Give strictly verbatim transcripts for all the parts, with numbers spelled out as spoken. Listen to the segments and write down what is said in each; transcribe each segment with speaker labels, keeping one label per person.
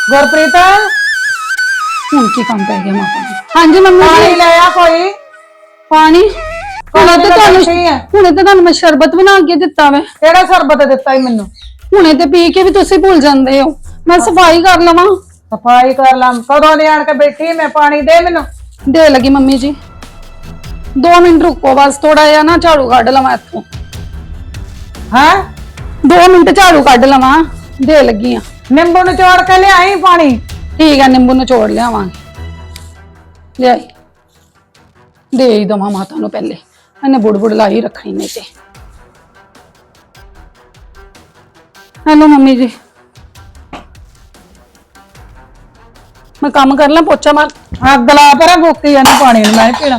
Speaker 1: ਗੁਰਪ੍ਰੀਤ
Speaker 2: ਹੁਣ ਕੀ ਕੰਮ ਪੈ ਗਿਆ ਮਾਤਾ ਨੂੰ? ਹਾਂਜੀ ਮੰਮੀ
Speaker 1: ਪਾਣੀ
Speaker 2: ਜੀ
Speaker 1: ਲੈ ਆ ਕੋਈ।
Speaker 2: ਪਾਣੀ ਹੁਣੇ ਤੇ ਤੁਹਾਨੂੰ
Speaker 1: ਸਹੀ ਹੈ।
Speaker 2: ਹੁਣੇ ਤੇ ਤੁਹਾਨੂੰ ਮੈਂ ਸ਼ਰਬਤ ਬਣਾ ਕੇ ਦਿੱਤਾ ਵੇ।
Speaker 1: ਕਿਹੜਾ ਸ਼ਰਬਤ ਦਿੱਤਾ ਈ ਮੈਨੂੰ?
Speaker 2: ਹੁਣੇ ਤੇ ਪੀ ਕੇ ਵੀ ਤੁਸੀਂ ਭੁੱਲ ਜਾਂਦੇ ਹੋ। ਮੈਂ ਸਫਾਈ ਕਰ ਲਵਾਂ।
Speaker 1: ਸਫਾਈ ਕਰ ਲਾਂ ਕਦੋਂ ਦੀ ਆਣ ਕੇ ਬੈਠੀ ਮੈਂ, ਪਾਣੀ ਦੇ ਮੈਨੂੰ।
Speaker 2: ਦੇ ਲਗੀ ਮੰਮੀ ਜੀ, ਦੋ ਮਿੰਟ ਰੁਕੋ ਬਸ, ਥੋੜਾ ਜਿਹਾ ਨਾ ਝਾੜੂ ਕੱਢ ਲਵਾਂ ਇੱਥੋਂ।
Speaker 1: ਹਾਂ
Speaker 2: ਦੋ ਮਿੰਟ ਝਾੜੂ ਕੱਢ ਲਵਾਂ, ਦੇ ਲੱਗੀ ਆ।
Speaker 1: ਨਿੰਬੂ ਨਿਚੋੜ ਕੇ ਲਿਆਈ ਪਾਣੀ।
Speaker 2: ਠੀਕ ਹੈ, ਨਿੰਬੂ ਨਿਚੋੜ ਲਿਆਵਾਂਗੇ। ਲਿਆਈ ਦੇ ਹੀ ਦਵਾਂ ਮਾਤਾ ਨੂੰ ਪਹਿਲੇ, ਇਹਨੇ ਬੁੜਬੁੜ ਲਾਈ ਰੱਖਣੀ ਨਹੀਂ ਤੇ। ਹੈਲੋ ਮੰਮੀ ਜੀ, ਮੈਂ ਕੰਮ ਕਰ ਲਾਂ, ਪੋਚਾ ਮਾਰ।
Speaker 1: ਅੱਗ ਲਾ ਪਰਾਂ, ਭੁੱਕੀ ਜਾਂਦੀ ਪਾਣੀ ਨੂੰ, ਮੈਂ ਨੀ ਪੀਣਾ।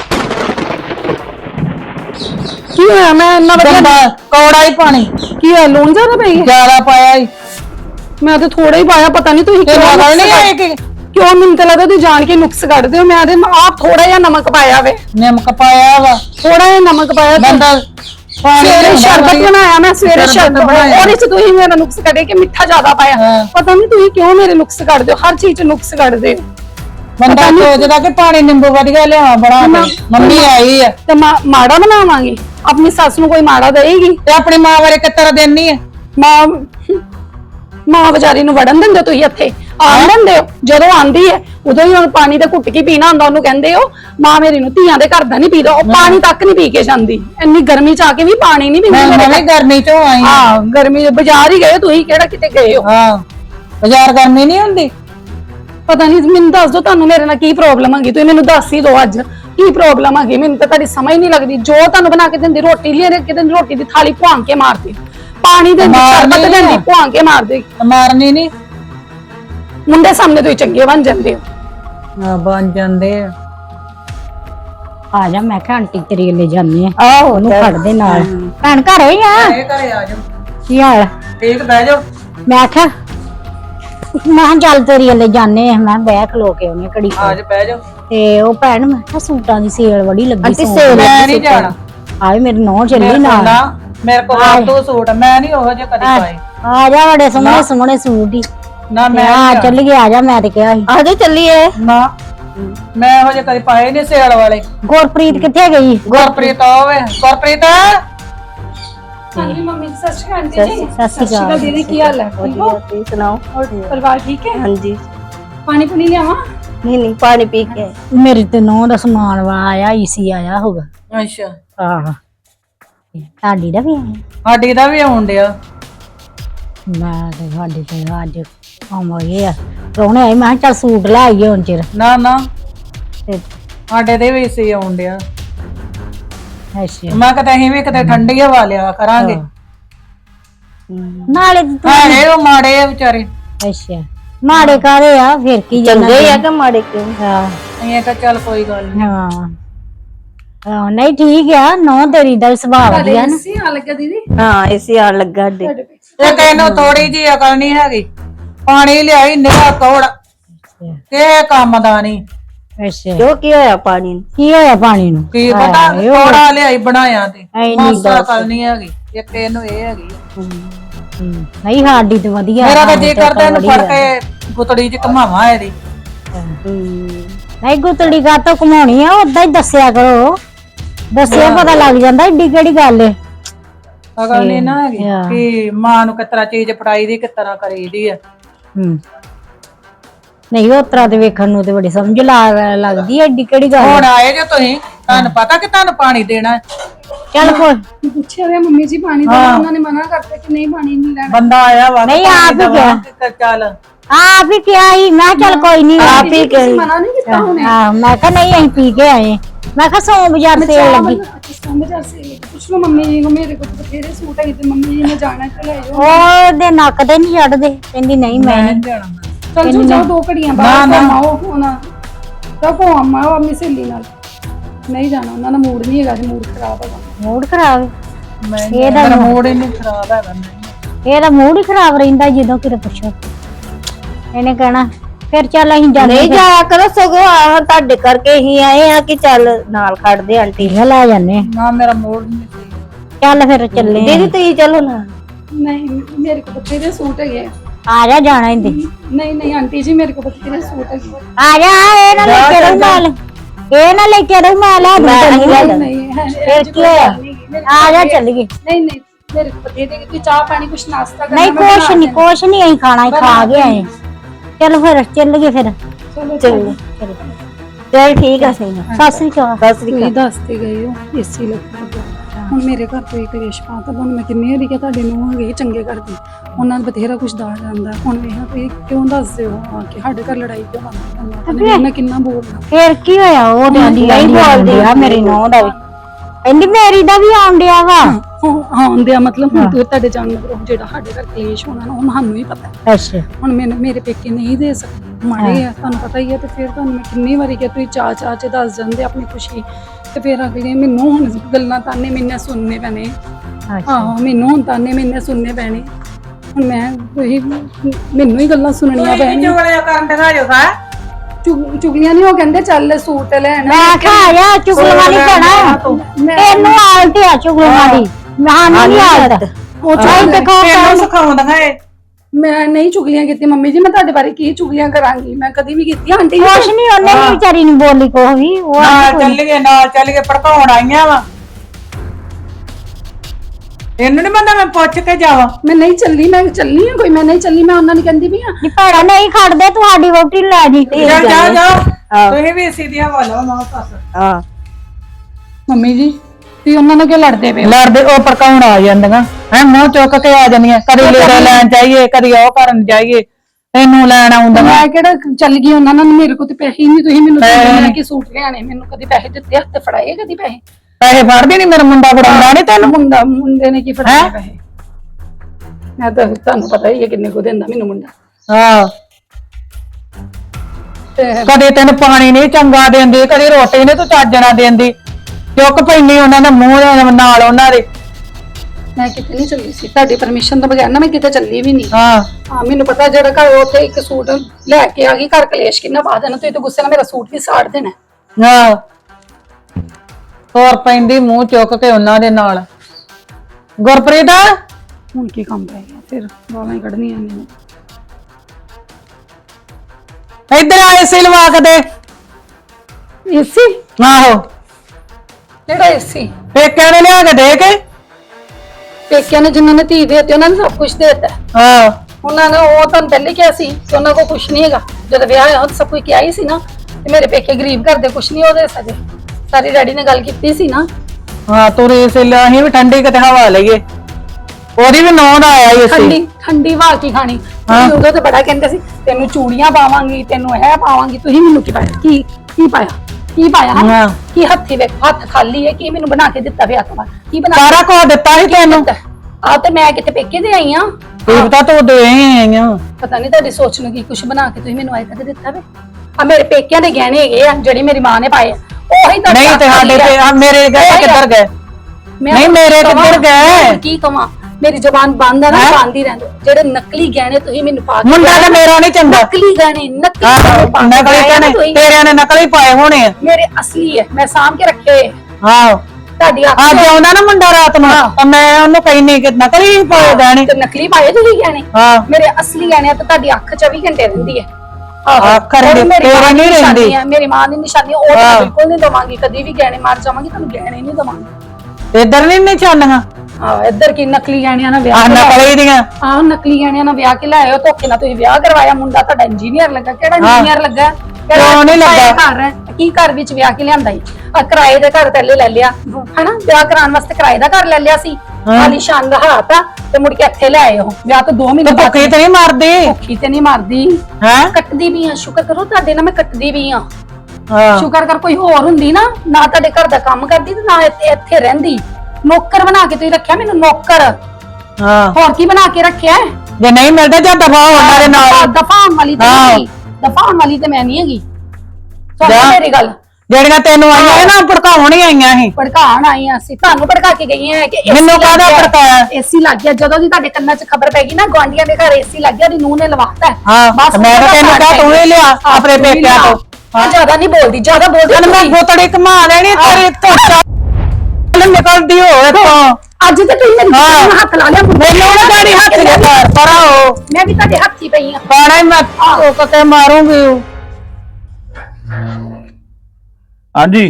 Speaker 2: ਕੀ ਹੋਇਆ? ਮੈਂ ਇੰਨਾ ਵਧੀਆ
Speaker 1: ਕੌੜਾ ਹੀ ਪਾਣੀ।
Speaker 2: ਕੀ ਹੋਇਆ? ਲੂਣ ਜ਼ਿਆਦਾ ਪਈ ਗਿਆ?
Speaker 1: ਜ਼ਿਆਦਾ ਪਾਇਆ ਹੀ।
Speaker 2: ਮੈਂ ਤੇ ਥੋੜਾ ਹੀ ਪਾਇਆ, ਪਤਾ ਨਹੀਂ ਤੁਸੀਂ ਕਿਉਂ
Speaker 1: ਨਕਲ ਨਹੀਂ ਆਈ ਕਿ
Speaker 2: ਕਿਉਂ ਮੈਨੂੰ ਤਾਂ ਲੱਗਦਾ ਤੁਸੀਂ ਜਾਣ ਕੇ ਨੁਕਸ ਕੱਢਦੇ ਹੋ। ਮੈਂ ਤੇ ਆਪ ਥੋੜਾ ਜਿਹਾ ਨਮਕ ਪਾਇਆ ਵੇ,
Speaker 1: ਨਮਕ ਪਾਇਆ ਵਾ।
Speaker 2: ਥੋੜਾ ਜਿਹਾ ਨਮਕ ਪਾਇਆ।
Speaker 1: ਬੰਦਾ
Speaker 2: ਸਵੇਰੇ ਸ਼ਰਬਤ ਬਣਾਇਆ ਮੈਂ, ਸਵੇਰੇ ਸ਼ਰਬਤ ਬਣਾਇਆ, ਉਹਦੇ ਚ ਤੁਸੀਂ ਮੇਰਾ ਨੁਕਸ ਕੱਢੇ ਕਿ ਮਿੱਠਾ ਜ਼ਿਆਦਾ ਪਾਇਆ। ਪਤਾ ਨਹੀਂ ਤੁਸੀਂ ਕਿਉਂ ਮੇਰੇ ਨੁਕਸ ਕੱਢਦੇ ਹੋ, ਹਰ ਚੀਜ਼ ਚ ਨੁਕਸ ਕੱਢਦੇ ਹੋ।
Speaker 1: ਬੰਦਾ ਸੋਚਦਾ ਕਿ ਪਾਣੀ ਨਿੰਬੂ ਵਧੀਆ ਲਿਆਵਾਂ ਬਣਾ ਕੇ। ਮੰਮੀ ਆਈ ਆ
Speaker 2: ਤੇ ਮਾੜਾ ਬਣਾਵਾਂਗੀ? ਆਪਣੀ ਸੱਸ ਨੂੰ ਕੋਈ ਮਾੜਾ ਦੇਏਗੀ?
Speaker 1: ਤੇ ਆਪਣੀ ਮਾਂ ਬਾਰੇ ਕਿਤਰਾ ਦੇਣੀ ਹੈ?
Speaker 2: ਮਾਂ ਮਾਂ ਵਿਚਾਰੀ ਨੂੰ ਵੜਨ ਦਿੰਦੇ ਹੋ ਤੁਸੀਂ ਇੱਥੇ? ਆਣ ਦਿੰਦੇ ਹੋ? ਜਦੋਂ ਆਂਦੀ ਹੈ ਉਦੋਂ ਹੀ ਹੁਣ ਪਾਣੀ ਤੇ ਘੁੱਟ ਕੇ ਪੀਣਾ ਹੁੰਦਾ, ਉਹਨੂੰ ਕਹਿੰਦੇ ਹੋ ਮਾਂ ਮੇਰੀ ਨੂੰ ਧੀਆਂ ਦੇ ਘਰ ਦਾ ਨਹੀਂ ਪੀਦਾ। ਉਹ ਪਾਣੀ ਤੱਕ ਨਹੀਂ ਪੀ ਕੇ ਜਾਂਦੀ, ਇੰਨੀ ਗਰਮੀ ਚ ਆ ਕੇ ਵੀ ਪਾਣੀ ਨਹੀਂ ਪੀਂਦੀ।
Speaker 1: ਮੈਂ ਵੀ ਗਰਮੀ ਚੋਂ ਆਈ ਹਾਂ।
Speaker 2: ਹਾਂ ਗਰਮੀ, ਬਾਜ਼ਾਰ ਹੀ ਗਏ ਤੁਸੀਂ, ਕਿਹੜਾ ਕਿਤੇ ਗਏ ਹੋ?
Speaker 1: ਹਾਂ ਬਾਜ਼ਾਰ ਗਰਮੀ ਨਹੀਂ ਹੁੰਦੀ?
Speaker 2: ਪਤਾ ਨਹੀਂ, ਮੈਨੂੰ ਦੱਸ ਦੋ ਤੁਹਾਨੂੰ ਮੇਰੇ ਨਾਲ ਕੀ ਪ੍ਰੋਬਲਮ ਹੈਗੀ, ਤੁਸੀਂ ਮੈਨੂੰ ਦੱਸ ਹੀ ਦਿਓ ਅੱਜ ਕੀ ਪ੍ਰੋਬਲਮ ਹੈਗੀ। ਮੈਨੂੰ ਤਾਂ ਤੁਹਾਡੀ ਸਮਝ ਨਹੀਂ ਲੱਗਦੀ। ਜੋ ਤੁਹਾਨੂੰ ਬਣਾ ਕੇ ਦਿੰਦੀ, ਰੋਟੀ ਲਈ ਕੇ ਦਿੰਦੀ, ਰੋਟੀ ਦੀ ਥਾਲੀ ਭੁਆਂ ਕੇ ਮਾਰਦੀ, ਪਾਣੀ ਦੇ ਸ਼ਰਬਤ ਦਿੰਦੀ, ਭੁਆਂ ਕੇ ਮਾਰਦੀ।
Speaker 1: ਮਾਰਨੀ ਨਹੀਂ,
Speaker 2: ਮੁੰਡੇ ਸਾਹਮਣੇ ਤੁਸੀਂ ਚੰਗੇ ਬਣ ਜਾਂਦੇ ਹੋ।
Speaker 1: ਹਾਂ ਬਣ ਜਾਂਦੇ ਆ।
Speaker 3: ਆ ਜਾ, ਮੈਂ ਕਿਹਾ ਆਂਟੀ ਤੇਰੀ ਲੈ ਜਾਂਦੀ ਆ।
Speaker 2: ਆਹੋ
Speaker 3: ਉਹਨੂੰ ਫੜ ਦੇ ਨਾਲ। ਭੈਣ ਘਰ ਹੀ ਆ?
Speaker 1: ਇਹ ਘਰੇ ਆ ਜਾਓ।
Speaker 3: ਕੀ ਹਾਲ?
Speaker 1: ਠੀਕ ਬਹਿ ਜਾਓ।
Speaker 3: ਮੈਂ ਕਿਹਾ ਮੈਂ ਕਿਹਾ ਚੱਲ ਤੇਰੀ ਲੈ ਜਾਂਦੇ ਆ। ਮੈਂ ਬਹਿ ਖਲੋ ਕੇ ਉਹਨੇ ਘੜੀ
Speaker 1: ਆ ਜਾ ਬਹਿ ਜਾਓ।
Speaker 3: ਤੇ ਉਹ ਭੈਣ, ਮੈਂ ਕਿਹਾ ਸੂਟਾਂ ਦੀ ਸੇਲ ਬੜੀ ਲੱਗੀ ਸੀ।
Speaker 1: ਮੈਂ ਨਹੀਂ ਜਾਣਾ।
Speaker 3: ਆਏ ਮੇਰੇ ਨੌ ਚੱਲੀ
Speaker 1: ਮੇਰੇ
Speaker 3: ਨਾਲ।
Speaker 1: ਕੋਲ ਮੇਰੇ ਕੋਲ ਦੋ ਸੂਟ, ਮੈਂ ਨਹੀਂ ਉਹੋ ਜਿਹੇ ਕਦੀ ਪਾਏ।
Speaker 3: ਆ ਜਾ, ਬੜੇ ਸੋਹਣੇ ਸੋਹਣੇ ਸੂਟ ਹੀ।
Speaker 1: ਨਾ ਮੈਂ
Speaker 3: ਆ ਚੱਲ ਗਿਆ, ਆ ਜਾ, ਮੈਂ ਤੇ ਕਿਹਾ ਸੀ
Speaker 4: ਆ ਜਾ ਚੱਲੀਏ।
Speaker 1: ਨਾ ਮੈਂ ਇਹੋ ਜਿਹੇ ਕਦੀ ਪਾਏ ਨਹੀਂ ਸੇਲ ਵਾਲੇ।
Speaker 3: ਗੁਰਪ੍ਰੀਤ ਕਿੱਥੇ ਗਈ?
Speaker 1: ਗੁਰਪ੍ਰੀਤ ਆਵੇ। ਗੁਰਪ੍ਰੀਤ
Speaker 2: ਹਾਂਜੀ ਮੰਮੀ, ਸਤਿ ਸ਼੍ਰੀ ਅਕਾਲ ਆਂਟੀ ਜੀ।
Speaker 3: ਸਤਿ ਸ਼੍ਰੀ ਅਕਾਲ
Speaker 2: ਦੀਦੀ, ਕੀ ਹਾਲ ਹੈ? ਠੀਕ ਹੋ?
Speaker 4: ਤੁਸੀਂ ਸੁਣਾਓ?
Speaker 2: ਪਰਿਵਾਰ ਠੀਕ ਹੈ?
Speaker 4: ਹਾਂਜੀ।
Speaker 2: ਪਾਣੀ ਪੁਣੀ ਲਿਆਵਾਂ?
Speaker 4: ਨਹੀਂ ਨਹੀਂ ਪਾਣੀ ਪੀ ਕੇ ਆਏ।
Speaker 3: ਮੇਰੇ ਤੇ ਨੌ ਦਾ ਸਮਾਨ ਵਾ ਆਇਆ, ਈਸੀ ਆਇਆ ਹੋਗਾ।
Speaker 1: ਅੱਛਾ,
Speaker 3: ਆਹ ਤੁਹਾਡੀ ਦਾ ਵੀ ਆਇਆ?
Speaker 1: ਸਾਡੀ ਦਾ ਵੀ ਆਉਣ ਡਿਆ।
Speaker 3: ਮੈਂ ਤੇ ਸਾਡੇ ਤੇ ਅੱਜ ਆਮ ਇਹ ਆ ਪ੍ਰਾਹੁਣੇ ਆਏ, ਮੈਂ ਕਿਹਾ ਚੱਲ ਸੂਟ ਲੈ ਆਈਏ ਹੁਣ ਚਿਰ।
Speaker 1: ਨਾ ਨਾ
Speaker 3: ਤੇ
Speaker 1: ਸਾਡੇ ਦੇ ਵੀ ਸੀ ਆਉਣ ਡਿਆ।
Speaker 3: ਅੱਛਾ,
Speaker 1: ਮੈਂ ਕਿਹਾ ਅਸੀਂ ਵੀ ਕਿਤੇ ਠੰਡੀ ਹਵਾ ਲਿਆ ਕਰਾਂਗੇ।
Speaker 3: ਨਾਲੇ ਤੂੰ
Speaker 1: ਹੈ ਉਹ ਮਾੜੇ ਆ ਵਿਚਾਰੇ।
Speaker 3: ਅੱਛਾ, ਮਾੜੇ ਕਾਰੇ ਆ ਫਿਰ ਕੀ
Speaker 4: ਚੰਗੇ ਆ ਕਿ ਮਾੜੇ ਕਿਉਂ?
Speaker 3: ਹਾਂ
Speaker 1: ਅਸੀਂ ਕਿਹਾ ਚੱਲ ਕੋਈ ਗੱਲ ਨਹੀਂ।
Speaker 3: ਹਾਂ ਹਾਂ, ਨਹੀਂ ਠੀਕ ਆ। ਨੌ ਤੇਰੀ ਦਾ ਵੀ ਸੁਭਾਅ ਵਧੀਆ ਨਾ।
Speaker 2: ਸੀ ਹਾਲ ਲੱਗਾ ਦੀਦੀ
Speaker 4: ਹਾਂ ਇਸੇ ਆਣ ਲੱਗਾ ਡੇ।
Speaker 1: ਇਹ ਤੈਨੂੰ ਥੋੜੀ ਜੀ ਅਕਲ ਨਹੀਂ ਹੈਗੀ। ਪਾਣੀ ਲਿਆਈ ਨਿਹਰਾ ਤੋੜ, ਇਹ ਕੰਮ ਦਾ ਨਹੀਂ।
Speaker 3: ਅੱਛਾ,
Speaker 4: ਕਿਉਂ ਕੀ ਹੋਇਆ ਪਾਣੀ ਨੂੰ?
Speaker 3: ਕੀ ਹੋਇਆ ਪਾਣੀ ਨੂੰ?
Speaker 1: ਕੀ ਪਤਾ ਥੋੜਾ ਲਿਆਈ ਬਣਾਇਆ ਤੇ
Speaker 3: ਐਨੀ
Speaker 1: ਮਾਸਾ ਅਕਲ ਨਹੀਂ ਹੈਗੀ। ਇੱਕ ਇਹਨੂੰ ਇਹ ਹੈਗੀ।
Speaker 3: ਹਮ, ਨਹੀਂ ਸਾਡੀ ਤੇ ਵਧੀਆ।
Speaker 1: ਮੇਰਾ ਤਾਂ ਜੀ ਕਰਦਾ ਇਹਨੂੰ ਫੜ ਕੇ ਗੁਤੜੀ ਚ ਘਮਾਵਾਂ ਇਹਦੀ।
Speaker 3: ਨਹੀਂ ਗੁੱਤੜੀ ਕਾ ਤੋਂ ਘਮਾਉਣੀ ਆ, ਓਦਾਂ ਹੀ ਦੱਸਿਆ ਕਰੋ। ਦੱਸਿਆ ਪਤਾ ਲੱਗ ਜਾਂਦਾ, ਏਡੀ ਕਿਹੜੀ ਗੱਲ ਏ।
Speaker 1: ਅਕਲ ਨਹੀਂ ਨਾ ਹੈਗੀ ਕਿ ਮਾਂ ਨੂੰ ਕਿਸ ਤਰ੍ਹਾਂ ਚੀਜ਼ ਫੜਾਈ ਦੀ, ਕਿਸ ਤਰ੍ਹਾਂ ਕਰੀਦੀ ਆ।
Speaker 3: ਹਮ, ਨਹੀਂ ਉਹ ਤਰ੍ਹਾਂ ਦੇ ਵੇਖਣ ਨੂੰ ਤੇ ਬੜੀ ਸਮਝ ਲਾ ਲੱਗਦੀ, ਏਡੀ ਕਿਹੜੀ ਗੱਲ।
Speaker 1: ਹੁਣ ਆਏ ਜੋ ਤੁਸੀਂ, ਤੁਹਾਨੂੰ ਪਤਾ ਕਿ ਤੁਹਾਨੂੰ ਪਾਣੀ ਦੇਣਾ।
Speaker 3: ਚੱਲ ਕੋਈ
Speaker 2: ਪੁੱਛਿਆ ਵੇ ਮੰਮੀ ਜੀ ਪਾਣੀ ਦਾ, ਉਹਨਾਂ ਨੇ ਮਨਾ ਕਰਤਾ ਕਿ ਨਹੀਂ ਪਾਣੀ ਨਹੀਂ ਲੈਣਾ।
Speaker 1: ਬੰਦਾ ਆਇਆ ਵਾ
Speaker 3: ਨਹੀਂ, ਆਪ ਹੀ ਗਿਆ।
Speaker 1: ਚੱਲ
Speaker 3: ਆਪ ਹੀ ਕਿਹਾ ਸੀ, ਮੈਂ ਕਿਹਾ ਚੱਲ ਕੋਈ ਨਹੀਂ ਆਪ ਹੀ
Speaker 2: ਤੁਸੀਂ ਮਨਾ ਨਹੀਂ ਕੀਤਾ ਹੁਣੇ?
Speaker 3: ਹਾਂ, ਮੈਂ ਕਿਹਾ ਨਹੀਂ ਅਸੀਂ ਪੀ ਕੇ ਆਏ। ਮੈਂ ਕਿਹਾ ਸੌ ਬਾਜ਼ਾਰ ਸੇਲ ਲੱਗੀ।
Speaker 2: ਬਾਜ਼ਾਰ ਸੇ ਪੁੱਛ ਲਓ ਮੰਮੀ ਜੀ ਨੂੰ, ਮੇਰੇ ਕੋਲ ਬਥੇਰੇ ਸੂਟ ਹੈ ਤੇ ਮੰਮੀ ਜੀ ਨੇ ਜਾਣਾ ਤੇ ਲੈ ਜਾਓ।
Speaker 3: ਉਹਦੇ ਨੱਕ ਤੇ ਨਹੀਂ ਛੱਡਦੇ, ਕਹਿੰਦੀ ਨਹੀਂ ਮੈਂ ਨਹੀਂ
Speaker 1: ਜਾਣਾ।
Speaker 2: ਚਲ ਜੋ ਜਾਓ, ਦੋ ਘੜੀਆਂ ਬਾਅਦ ਮਾਓ ਹੋਣਾ ਤਾਂ ਕੋ ਅੰਮਾ ਉਹ ਆਪਣੀ ਸਹੇਲੀ ਨਾਲ ਨਹੀਂ ਜਾਣਾ। ਉਹਨਾਂ ਦਾ ਮੂਡ ਨਹੀਂ ਹੈਗਾ, ਤੇ ਮੂਡ ਖਰਾਬ ਹੈਗਾ।
Speaker 3: ਮੂਡ ਖਰਾਬ?
Speaker 1: ਇਹਦਾ ਮੂਡ ਇਹਨੂੰ ਖਰਾਬ ਹੈਗਾ। ਨਹੀਂ
Speaker 3: ਇਹਦਾ ਮੂਡ ਹੀ ਖਰਾਬ ਰਹਿੰਦਾ ਜਦੋਂ ਕਿਤੇ ਪੁੱਛੋ। ਇਹਨੇ ਕਹਿਣਾ ਫਿਰ ਚੱਲ ਅਸੀਂ ਜਾਂਦੇ
Speaker 4: ਨਹੀਂ ਜਾਇਆ ਕਰੋ, ਸਗੋਂ ਆ ਤੁਹਾਡੇ ਕਰਕੇ ਹੀ ਆਏ ਆ ਕਿ ਚੱਲ ਨਾਲ ਖੜਦੇ ਆਂਟੀ।
Speaker 3: ਠੀਕ ਲੈ ਜਾਂਦੇ।
Speaker 1: ਨਾ ਮੇਰਾ ਮੂਡ ਨਹੀਂ ਸਹੀ।
Speaker 3: ਚੱਲ ਫਿਰ ਚੱਲੇ।
Speaker 4: ਦੀਦੀ ਤੁਸੀਂ ਚਲੋ ਨਾ।
Speaker 2: ਨਹੀਂ ਮੇਰੇ ਕੋਲ ਬਥੇਰੇ ਸੂਟ ਹੈਗੇ,
Speaker 3: ਆ ਜਾ ਜਾਣਾ ਇੰਦੇ
Speaker 2: नहीं नहीं आंटी जी मेरे को बतेरे सूट है
Speaker 3: ਆ ਜਾ ਇਹ ਨਾ ਲੈ ਕੇ ਰਹੂ ਮਾਲ ਇਹ ਨਾ ਲੈ ਕੇ ਰਹੂ ਮਾਲ ਆ ਨਹੀਂ ਲੈ
Speaker 2: नहीं है
Speaker 3: ਫਿਰ ਕੀ ਹੋਇਆ ਆ ਜਾ ਚੱਲੀਏ
Speaker 2: नहीं नहीं मेरे को बतेरे कि चाय पानी कुछ नाश्ता करना
Speaker 3: ਨਹੀਂ ਕੁਛ ਨਹੀਂ ਕੁਛ ਨਹੀਂ ਅਸੀਂ ਖਾਣਾ ਹੀ ਖਾ ਗਏ ਆਏ ਚਲ ਫਿਰ ਚੱਲੀਏ ਫਿਰ
Speaker 4: ਚਲੋ ਚਲ ਠੀਕ ਆ ਸਹੀ
Speaker 3: ਸਤਿ ਸ੍ਰੀ ਅਕਾਲ
Speaker 4: ਸਤਿ ਸ੍ਰੀ
Speaker 2: ਤੁਸੀਂ
Speaker 4: ਅਕਾਲ
Speaker 2: ਦੱਸਦੇ ਗਏ ਹੋ ਏਸੀ ਲੱਗਾ ਹੁਣ ਮੇਰੇ ਘਰ ਤੋਂ ਇੱਕ ਰੇਸ਼ ਪਾਤਾ ਹੁਣ ਮੈਂ ਕਿੰਨੀ ਵਾਰੀ ਕਿ ਤੁਹਾਡੇ ਨੂੰ ਹੈਗੇ ਚੰਗੇ ਕਰਦੀ ਉਹਨਾਂ ਨੂੰ ਬਥੇਰਾ ਕੁਝ ਦਾ ਜਾਂਦਾ ਹੁਣ ਵੇਖਾਂ ਤੁਸੀਂ ਕਿਉਂ ਦੱਸਦੇ ਹੋ ਆ ਕੇ ਸਾਡੇ ਘਰ ਲੜਾਈ ਕਿਉਂ ਬਣਦੀ ਹੈ ਮੈਂ ਕਿੰਨਾ ਬੋਲਦਾ
Speaker 3: ਫਿਰ ਕੀ ਹੋਇਆ ਉਹ ਡਾਂਡੀ ਨਹੀਂ ਬੋਲਦੀ ਆ ਮੇਰੀ ਨੌਂ ਦਾ ਵੀ ਕਹਿੰਦੀ ਮੇਰੀ ਦਾ ਵੀ ਆਉਣ ਡਿਆ ਵਾ
Speaker 2: ਹਾਂ ਹੁੰਦਿਆ ਮਤਲਬ ਹੁਣ ਤੂੰ ਤੁਹਾਡੇ ਜਾਣ ਮਗਰੋਂ ਜਿਹੜਾ ਸਾਡੇ ਘਰ ਕਲੇਸ਼ ਹੋਣਾ ਨਾ ਉਹ ਸਾਨੂੰ ਹੀ ਪਤਾ ਹੈ।
Speaker 3: ਅੱਛਾ
Speaker 2: ਹੁਣ ਮੈਨੂੰ ਮੇਰੇ ਪੇਕੇ ਨਹੀਂ ਦੇ ਸਕਦੇ ਮਾੜੇ ਆ ਤੁਹਾਨੂੰ ਪਤਾ ਹੀ ਹੈ ਤੇ ਫਿਰ ਤੁਹਾਨੂੰ ਮੈਂ ਕਿੰਨੀ ਵਾਰੀ ਕਿਹਾ ਤੁਸੀਂ ਚਾਹ ਚਾਹ ਚ ਦੱਸ ਜਾਂਦੇ ਆਪਣੀ ਖੁਸ਼ੀ ਤੇ ਫਿਰ ਅਗਲੇ ਮੈਨੂੰ ਹੁਣ ਗੱਲਾਂ ਤਾਨੇ ਮੈਨੇ ਸੁਣਨੇ ਪੈਣੇ ਆਹੋ ਮੈਨੂੰ ਹੁਣ ਤਾਨੇ ਮੈਨੇ ਸੁਣਨੇ ਪੈਣੇ ਹੁਣ ਮੈਂ ਉਹੀ ਮੈਨੂੰ ਹੀ ਗੱਲਾਂ ਸੁਣਨੀਆਂ ਪੈਣੀਆਂ
Speaker 1: ਚੁਗਲੀਆਂ ਕਰਨ ਦਿਖਾ ਜੋ ਸਾ
Speaker 2: ਚੁਗ- ਚੁਗਲੀਆਂ ਨਹੀਂ ਉਹ ਕਹਿੰਦੇ ਚੱਲ ਸੂਟ ਲੈਣ
Speaker 3: ਮੈਂ ਕਿਹਾ ਆ ਜਾ ਚੁਗਲ ਵਾਲੀ ਭੈਣਾ ਤੈਨੂੰ ਆਲਤ ਆ ਚੁਗਲ ਵਾਲੀ ਮੈਂ ਨਹੀਂ ਆਲਤ
Speaker 2: ਉਹ
Speaker 3: ਆਈ
Speaker 2: ਚੁਗਲੀਆਂ
Speaker 3: ਤੇ ਕਹੋ
Speaker 1: ਤੈਨੂੰ ਸਿਖਾਉਂਦੀਆਂ ਏ
Speaker 2: ਮੈਂ ਨਹੀਂ ਚੁਗਲੀਆਂ ਕੀਤੀ ਮੰਮੀ ਜੀ ਮੈਂ ਤੁਹਾਡੇ ਬਾਰੇ ਕੀ ਚੁਗਲੀਆਂ ਕਰਾਂਗੀ ਮੈਂ ਕਦੀ ਵੀ ਕੀਤੀ ਆਂਟੀ ਜੀ
Speaker 3: ਕੁਛ ਨਹੀਂ ਉਹਨੇ ਵੀ ਵਿਚਾਰੀ ਨੂੰ ਬੋਲੀ ਕੋ ਵੀ ਉਹ
Speaker 1: ਨਾਲ ਚੱਲੀਏ ਨਾਲ ਚੱਲੀਏ ਭੜਕਾਉਣ ਆਈਆਂ ਵਾ ਇਹਨੂੰ ਨੀ ਬੰਦਾ ਮੈਂ ਪੁੱਛ ਕੇ ਜਾਵਾਂ
Speaker 2: ਮੈਂ ਨਹੀਂ ਚੱਲੀ ਮੈਂ ਚੱਲੀ ਹਾਂ ਕੋਈ ਮੈਂ ਨਹੀਂ ਚੱਲੀ ਮੈਂ ਉਹਨਾਂ ਨੂੰ ਕਹਿੰਦੀ ਵੀ ਆ
Speaker 3: ਨੀ ਭੈੜਾ ਨਹੀਂ ਖੜਦੇ ਤੁਹਾਡੀ ਵੋਟੀ ਨੂੰ ਲੈ ਜੀ
Speaker 1: ਜਾ ਜਾ ਜਾ ਤੁਸੀਂ ਵੀ ਸਿੱਧੀਆਂ ਵਾਲੋ ਮਾਂ ਪਾਸ
Speaker 4: ਹਾਂ
Speaker 2: ਮੰਮੀ ਜੀ ਤੁਸੀਂ ਉਹਨਾਂ ਨਾਲ ਕਿਉਂ ਲੜਦੇ ਪਏ ਹੋ?
Speaker 1: ਲੜਦੇ ਉਹ ਭੜਕਾਉਣ ਆ ਜਾਂਦੀਆਂ ਹੈ ਮੂੰਹ ਚੁੱਕ ਕੇ ਆ ਜਾਂਦੀਆਂ ਕਦੀ ਲੀੜੇ ਲੈਣ ਜਾਈਏ ਕਦੀ ਉਹ ਕਰਨ ਜਾਈਏ ਤੈਨੂੰ ਲੈਣ ਆਉਂਦਾ
Speaker 2: ਮੈਂ ਕਿਹੜਾ ਚੱਲ ਗਈ ਉਹਨਾਂ ਨਾਲ ਮੇਰੇ ਕੋਲ ਤੇ ਪੈਸੇ ਹੀ ਨਹੀਂ ਤੁਸੀਂ ਮੈਨੂੰ ਦਿੰਦੇ ਮੈਂ ਕਿ ਸੂਟ ਲਿਆਣੇ ਮੈਨੂੰ ਕਦੀ ਪੈਸੇ ਦਿੱਤੇ ਹੱਥ ਫੜਾਏ ਕਦੀ ਪੈਸੇ
Speaker 1: ਪੈਸੇ ਫੜਦੀ ਨਹੀਂ ਮੇਰਾ ਮੁੰਡਾ ਫੜਾਉਂਦਾ ਨਹੀਂ ਤੈਨੂੰ
Speaker 2: ਮੁੰਡਾ ਮੁੰਡੇ ਨੇ ਕੀ ਫੜਾਏ ਪੈਸੇ ਮੈਂ ਤਾਂ ਤੁਹਾਨੂੰ ਪਤਾ ਹੀ ਹੈ ਕਿੰਨੇ ਕੋ ਦਿੰਦਾ ਮੈਨੂੰ ਮੁੰਡਾ
Speaker 1: ਹਾਂ
Speaker 2: ਤੇ
Speaker 1: ਕਦੇ ਤੈਨੂੰ ਪਾਣੀ ਨਹੀਂ ਚੰਗਾ ਦਿੰਦੀ ਕਦੇ ਰੋਟੀ ਨਹੀਂ ਤੂੰ ਚੱਜ ਨਾਲ ਦਿੰਦੀ ਚੁੱਕ ਪੈਣੀ ਉਹਨਾਂ ਦੇ ਮੂੰਹ ਦੇ ਨਾਲ ਉਹਨਾਂ ਦੇ
Speaker 2: ਮੈਂ ਕਿਤੇ ਨਹੀਂ ਚੱਲੀ ਸੀ ਤੁਹਾਡੀ ਪਰਮਿਸ਼ਨ ਤੋਂ ਬਗੈਰ ਨਾ ਮੈਂ ਕਿਤੇ ਚੱਲੀ ਵੀ ਨਹੀਂ
Speaker 1: ਹਾਂ
Speaker 2: ਹਾਂ ਮੈਨੂੰ ਪਤਾ ਜਿਹੜਾ ਘਰ ਉੱਥੇ ਇੱਕ ਸੂਟ ਲੈ ਕੇ ਆ ਗਈ ਘਰ ਕਲੇਸ਼ ਕਿੰਨਾ ਪਾ ਦੇਣਾ ਤੁਸੀਂ ਤਾਂ ਗੁੱਸੇ ਨਾਲ ਮੇਰਾ ਸੂਟ ਵੀ ਸਾੜ ਦੇਣਾ
Speaker 1: ਹਾਂ ਹੋਰ ਪੈਂਦੀ ਮੂੰਹ ਚੁੱਕ ਕੇ ਉਹਨਾਂ ਦੇ ਨਾਲ ਗੁਰਪ੍ਰੀਤ
Speaker 2: ਹੁਣ ਕੀ ਕੰਮ ਪੈ ਗਿਆ ਫਿਰ ਗਾਲਾਂ ਹੀ ਕੱਢਣੀਆਂ ਨੇ
Speaker 1: ਇੱਧਰ ਆ ਏਸੀ ਲਵਾ ਕੇ ਦੇ
Speaker 2: ਏਸੀ
Speaker 1: ਆਹੋ
Speaker 2: ਕਿਹੜਾ ਏਸੀ
Speaker 1: ਪੇਕਿਆਂ ਨੇ ਲਿਆ ਕੇ ਦੇ ਕੇ
Speaker 2: ਪੇਕਿਆਂ ਨੇ ਜਿਨ੍ਹਾਂ ਨੇ ਧੀ ਦੇ ਦਿੱਤੀ ਉਹਨਾਂ ਨੇ ਸਭ ਕੁਝ ਦੇ ਦਿੱਤਾ
Speaker 1: ਹਾਂ
Speaker 2: ਉਹਨਾਂ ਨੇ ਉਹ ਤਾਂ ਪਹਿਲੇ ਕਿਹਾ ਸੀ ਕਿ ਉਹਨਾਂ ਕੋਲ ਕੁਝ ਨਹੀਂ ਹੈਗਾ ਜਦੋਂ ਵਿਆਹ ਹੋਇਆ ਤਾਂ ਸਭ ਕੁਝ ਕਿਹਾ ਹੀ ਸੀ ਨਾ ਤੇ ਮੇਰੇ ਪੇਕੇ ਗਰੀਬ ਘਰ ਦੇ ਕੁਝ ਨਹੀਂ ਉਹਦੇ ਸਜੇ ਸਾਰੀ ਡੈਡੀ ਨੇ ਗੱਲ ਕੀਤੀ ਸੀ ਨਾ
Speaker 1: ਹਾਂ ਤੂੰ ਏਸੀ ਲਿਆ ਅਸੀਂ ਵੀ ਠੰਡੀ ਕਿਤੇ ਹਵਾ ਲਈਏ ਉਹਦੀ ਵੀ ਨੌਂ ਦਾ ਆਇਆ ਏਸੀ
Speaker 2: ਠੰਡੀ ਠੰਡੀ ਹਵਾ ਕੀ ਖਾਣੀ ਤੁਸੀਂ ਉਦੋਂ ਤੇ ਬੜਾ ਕਹਿੰਦੇ ਸੀ ਤੈਨੂੰ ਚੂੜੀਆਂ ਪਾਵਾਂਗੀ ਤੈਨੂੰ ਇਹ ਪਾਵਾਂਗੀ ਤੁਸੀਂ ਮੈਨੂੰ ਕੀ ਪਾਇਆ ਕੀ ਕੀ ਪਾਇਆ ਕੀ ਪਾਇਆ
Speaker 1: ਹਾਂ।
Speaker 2: ਕੀ ਹੱਥੀ ਵੇਖ ਹੱਥ ਖਾਲੀ ਹੈ ਕੀ ਮੈਨੂੰ ਬਣਾ ਕੇ ਦਿੱਤਾ ਵਿਆਹ ਤੋਂ ਬਾਅਦ ਕੀ ਬਣਾ
Speaker 1: ਸਾਰਾ ਕੁਝ ਦਿੱਤਾ ਸੀ ਤੈਨੂੰ
Speaker 2: ਆ ਤੇ ਮੈਂ ਕਿਤੇ ਪੇਕੇ ਦੇ ਆਈ ਆ
Speaker 1: ਇਹ ਤਾਂ ਤੂੰ ਦੇ ਆਈਆਂ
Speaker 2: ਪਤਾ ਨਹੀਂ ਤੁਹਾਡੀ ਸੋਚ ਨੂੰ ਕੀ ਕੁਝ ਬਣਾ ਕੇ ਤੁਸੀਂ ਮੈਨੂੰ ਆਏ ਤੱਕ ਦਿੱਤਾ ਵੇ ਆ ਮੇਰੇ ਪੇਕਿਆਂ ਦੇ ਗਹਿਣੇ ਹੈਗੇ ਆ ਜਿਹੜੀ ਮੇਰੀ ਮਾਂ ਨੇ ਪਾਏ ਆ ਉਹੀ ਤਾਂ
Speaker 1: ਨਹੀਂ ਤੇ ਸਾਡੇ ਤੇ ਆ ਮੇਰੇ ਗਏ ਕਿੱਧਰ ਗਏ ਨਹੀਂ ਮੇਰੇ ਕਿੱਧਰ ਗਏ
Speaker 2: ਕੀ ਕਵਾਂ ਮੇਰੀ ਜ਼ੁਬਾਨ ਬੰਦ ਆ ਨਾ ਬੰਦ ਹੀ ਰਹਿੰਦੇ ਜਿਹੜੇ ਨਕਲੀ ਗਹਿਣੇ ਤੁਸੀਂ ਮੈਨੂੰ ਪਾ ਕੇ
Speaker 1: ਮੁੰਡਾ ਤਾਂ ਮੇਰਾ ਨਹੀਂ ਚੰਗਾ
Speaker 2: ਨਕਲੀ ਗਹਿਣੇ ਨਕਲੀ
Speaker 1: ਆਹੋ,
Speaker 2: ਗਹਿਣੇ ਪਾ ਕੇ
Speaker 1: ਨਕਲੀ
Speaker 2: ਪਾਏ ਆ ਨਾ
Speaker 1: ਕਹਿੰਦੇ
Speaker 2: ਤੁਸੀਂ।
Speaker 1: ਤੇਰਿਆਂ ਨੇ ਨਕਲੀ ਪਾਏ ਹੋਣੇ ਆ
Speaker 2: ਮੇਰੇ ਅਸਲੀ ਹੈ ਮੈਂ ਸਾਂਭ ਕੇ ਰੱਖੇ ਹੋਏ ਆ।
Speaker 1: ਆਹੋ
Speaker 2: ਤੁਹਾਡੀ ਅੱਖ
Speaker 1: ਅੱਜ ਆਉਂਦਾ ਨਾ ਮੁੰਡਾ ਰਾਤ ਨੂੰ ਤਾਂ ਮੈਂ ਉਹਨੂੰ ਕਹਿੰਨੀ ਕਿ ਨਕਲੀ ਪਾਏ ਦੇਣੇ
Speaker 2: ਤੇ ਨਕਲੀ ਪਾਏ ਤੁਸੀਂ ਗਹਿਣੇ
Speaker 1: ਹਾਂ
Speaker 2: ਮੇਰੇ ਅਸਲੀ ਗਹਿਣੇ ਆ ਤਾਂ ਤੁਹਾਡੀ ਅੱਖ ਚੌਵੀ ਘੰਟੇ ਰਹਿੰਦੀ ਹੈ
Speaker 1: ਅੱਖ ਰਹਿੰਦੀ,
Speaker 2: ਉਹ ਮੇਰੀ
Speaker 1: ਤੇਰੇ
Speaker 2: ਮਾਂ ਦੀ
Speaker 1: ਨਹੀਂ ਰਹਿੰਦੀ।
Speaker 2: ਨਿਸ਼ਾਨੀ ਹੈ, ਮੇਰੀ ਮਾਂ ਦੀ ਨਿਸ਼ਾਨੀ ਉਹ ਤਾਂ
Speaker 1: ਹਾਂ।
Speaker 2: ਮੈਂ ਬਿਲਕੁਲ ਨਹੀਂ ਦਵਾਂਗੀ ਕਦੀ ਵੀ ਗਹਿਣੇ ਮਾਰ ਜਾਵਾਂਗੀ ਤੁਹਾਨੂੰ ਗਹਿਣੇ ਨਹੀਂ ਦਵਾਂਗੀ
Speaker 1: ਇੱਧਰ ਨਹੀਂ ਨਿਸ਼ਾਨੀਆਂ
Speaker 2: ਹਾਂ ਇੱਧਰ ਕੀ ਨਕਲੀ ਗਹਿਣਿਆਂ ਨਾਲ
Speaker 1: ਆ
Speaker 2: ਵਿਆਹ
Speaker 1: ਨਕਲੀ ਦੀਆਂ
Speaker 2: ਆਹ ਨਕਲੀ ਗਹਿਣਿਆਂ ਨਾਲ ਵਿਆਹ ਕੇ ਲਾਇਓ ਧੋਖੇ ਨਾਲ ਤੁਸੀਂ ਵਿਆਹ ਕਰਵਾਇਆ ਮੁੰਡਾ ਤੁਹਾਡਾ ਇੰਜੀਨੀਅਰ ਲੱਗਾ ਕਿਹੜਾ ਇੰਜੀਨੀਅਰ ਲੱਗਾ
Speaker 1: ਕਿਉਂ ਨੀ ਲੱਗਾ?
Speaker 2: ਘਰ ਹੈ ਕੀ ਘਰ ਵਿੱਚ ਵਿਆਹ ਕੇ ਲਿਆਂਦਾ ਈ ਆ ਕਿਰਾਏ ਦਾ ਘਰ ਪਹਿਲੇ ਲੈ ਲਿਆ ਹਨਾ ਵਿਆਹ ਕਰਾਉਣ ਵਾਸਤੇ ਕਿਰਾਏ ਦਾ ਘਰ ਲੈ ਲਿਆ ਸੀ ਆਲੀਸ਼ਾਨ ਦਾ ਹਾਤ ਆ ਤੇ ਮੁੜ ਕੇ ਇੱਥੇ ਲੈ ਆਏ ਉਹ ਵਿਆਹ ਤੋਂ ਦੋ ਮਹੀਨੇ
Speaker 1: ਤੂੰ
Speaker 2: ਬਾਅਦ
Speaker 1: ਭੁੱਖੀ ਤੇ ਨਹੀਂ ਮਰਦੀ
Speaker 2: ਭੁੱਖੀ ਤੇ ਨਹੀਂ ਮਰਦੀ
Speaker 1: ਹੈ
Speaker 2: ਕੱਟਦੀ ਵੀ ਆ ਸ਼ੁਕਰ ਕਰੋ ਤੁਹਾਡੇ ਨਾਲ ਮੈਂ ਕੱਟਦੀ ਵੀ ਆ
Speaker 1: ਹਾਂ
Speaker 2: ਸ਼ੁਕਰ ਕਰ ਕੋਈ ਹੋਰ ਹੁੰਦੀ ਨਾ ਨਾ ਤੁਹਾਡੇ ਘਰ ਦਾ ਕੰਮ ਕਰਦੀ ਤੇ ਨਾ ਇੱਥੇ ਇੱਥੇ ਰਹਿੰਦੀ ਨੌਕਰ ਬਣਾ ਕੇ ਤੁਸੀਂ ਰੱਖਿਆ ਮੈਨੂੰ ਨੌਕਰ
Speaker 1: ਹਾਂ
Speaker 2: ਹੋਰ ਕੀ ਬਣਾ ਕੇ ਰੱਖਿਆ
Speaker 1: ਜੇ ਨਹੀਂ ਮਿਲਦਾ ਜਾਂ ਦਫਾ ਉਹਨਾਂ ਦੇ ਨਾਲ
Speaker 2: ਦਫਾਉਣ ਵਾਲੀ ਤੇ
Speaker 1: ਹਾਂ।
Speaker 2: ਨਹੀਂ ਦਫਾਉਣ ਵਾਲੀ ਤੇ ਮੈਂ ਨਹੀਂ ਹੈਗੀ ਸੁਣ
Speaker 1: ਜਾ।
Speaker 2: ਮੇਰੀ ਗੱਲ
Speaker 1: ਜਿਹੜੀਆਂ ਤੈਨੂੰ ਆਈਆਂ ਨਾ ਭੜਕਾਉਣ ਹੀ ਆਈਆਂ ਸੀ
Speaker 2: ਭੜਕਾਉਣ ਆਈਆਂ ਸੀ ਤੁਹਾਨੂੰ ਭੜਕਾ ਕੇ ਗਈਆਂ ਕਿ AC
Speaker 1: ਮੈਨੂੰ
Speaker 2: ਲੱਗ
Speaker 1: ਕਾਹਦਾ
Speaker 2: ਗਿਆ।
Speaker 1: ਭੜਕਾਇਆ?
Speaker 2: ਏਸੀ ਲੱਗ ਗਿਆ ਜਦੋਂ ਦੀ ਤੁਹਾਡੇ ਕੰਨਾਂ 'ਚ ਖਬਰ ਪੈ ਗਈ ਨਾ ਗੁਆਂਢੀਆਂ ਦੇ ਘਰ ਏਸੀ ਲੱਗ ਗਿਆ ਉਹਦੀ ਨੂੰਹ ਨੇ ਲਵਾਤਾ ਹੈ।
Speaker 1: ਹਾਂ
Speaker 2: ਬਸ
Speaker 1: ਮੈਂ ਤਾਂ
Speaker 2: ਉਹਦਾ
Speaker 1: ਤੈਨੂੰ
Speaker 2: ਘਰ
Speaker 1: ਕਿਹਾ ਤੂੰ ਹੀ ਲਿਆ
Speaker 2: ਹਾਂ,
Speaker 1: ਆਪਣੇ
Speaker 2: ਤੂੰ ਹੀ
Speaker 1: ਪੇਕਿਆਂ
Speaker 2: ਲਿਆ।
Speaker 1: ਤੋਂ
Speaker 2: ਹਾਂ ਜ਼ਿਆਦਾ ਨਹੀਂ ਬੋਲਦੀ ਜ਼ਿਆਦਾ ਬੋਲਦੀ
Speaker 1: ਚੱਲ ਮੈਂ
Speaker 2: ਤੁਸੀਂ।
Speaker 1: ਗੋਤੜੀ ਘਮਾ ਲੈਣੀ ਤੇਰੇ ਤੋਂ ਚੱਲ ਨਿਕਲਦੀ ਹੋ ਇੱਥੋਂ
Speaker 2: ਅੱਜ ਤੇ ਤੁਸੀਂ ਮੇਰੇ ਨਾਲ ਹੱਥ ਲਾ ਲਿਆ
Speaker 1: ਮੈਨੂੰ ਨਾ ਗਾੜੀ ਹੱਥ ਦੇ ਘਰ ਪਰਾਓ
Speaker 2: ਮੈਂ ਵੀ ਤੁਹਾਡੇ ਹੱਥੀ ਪਈ ਆ
Speaker 1: ਖਾਣਾ ਹੀ ਮੈਂ ਉਹ ਕਿਤੇ ਮਾਰੂੰਗੀ
Speaker 5: ਹਾਂਜੀ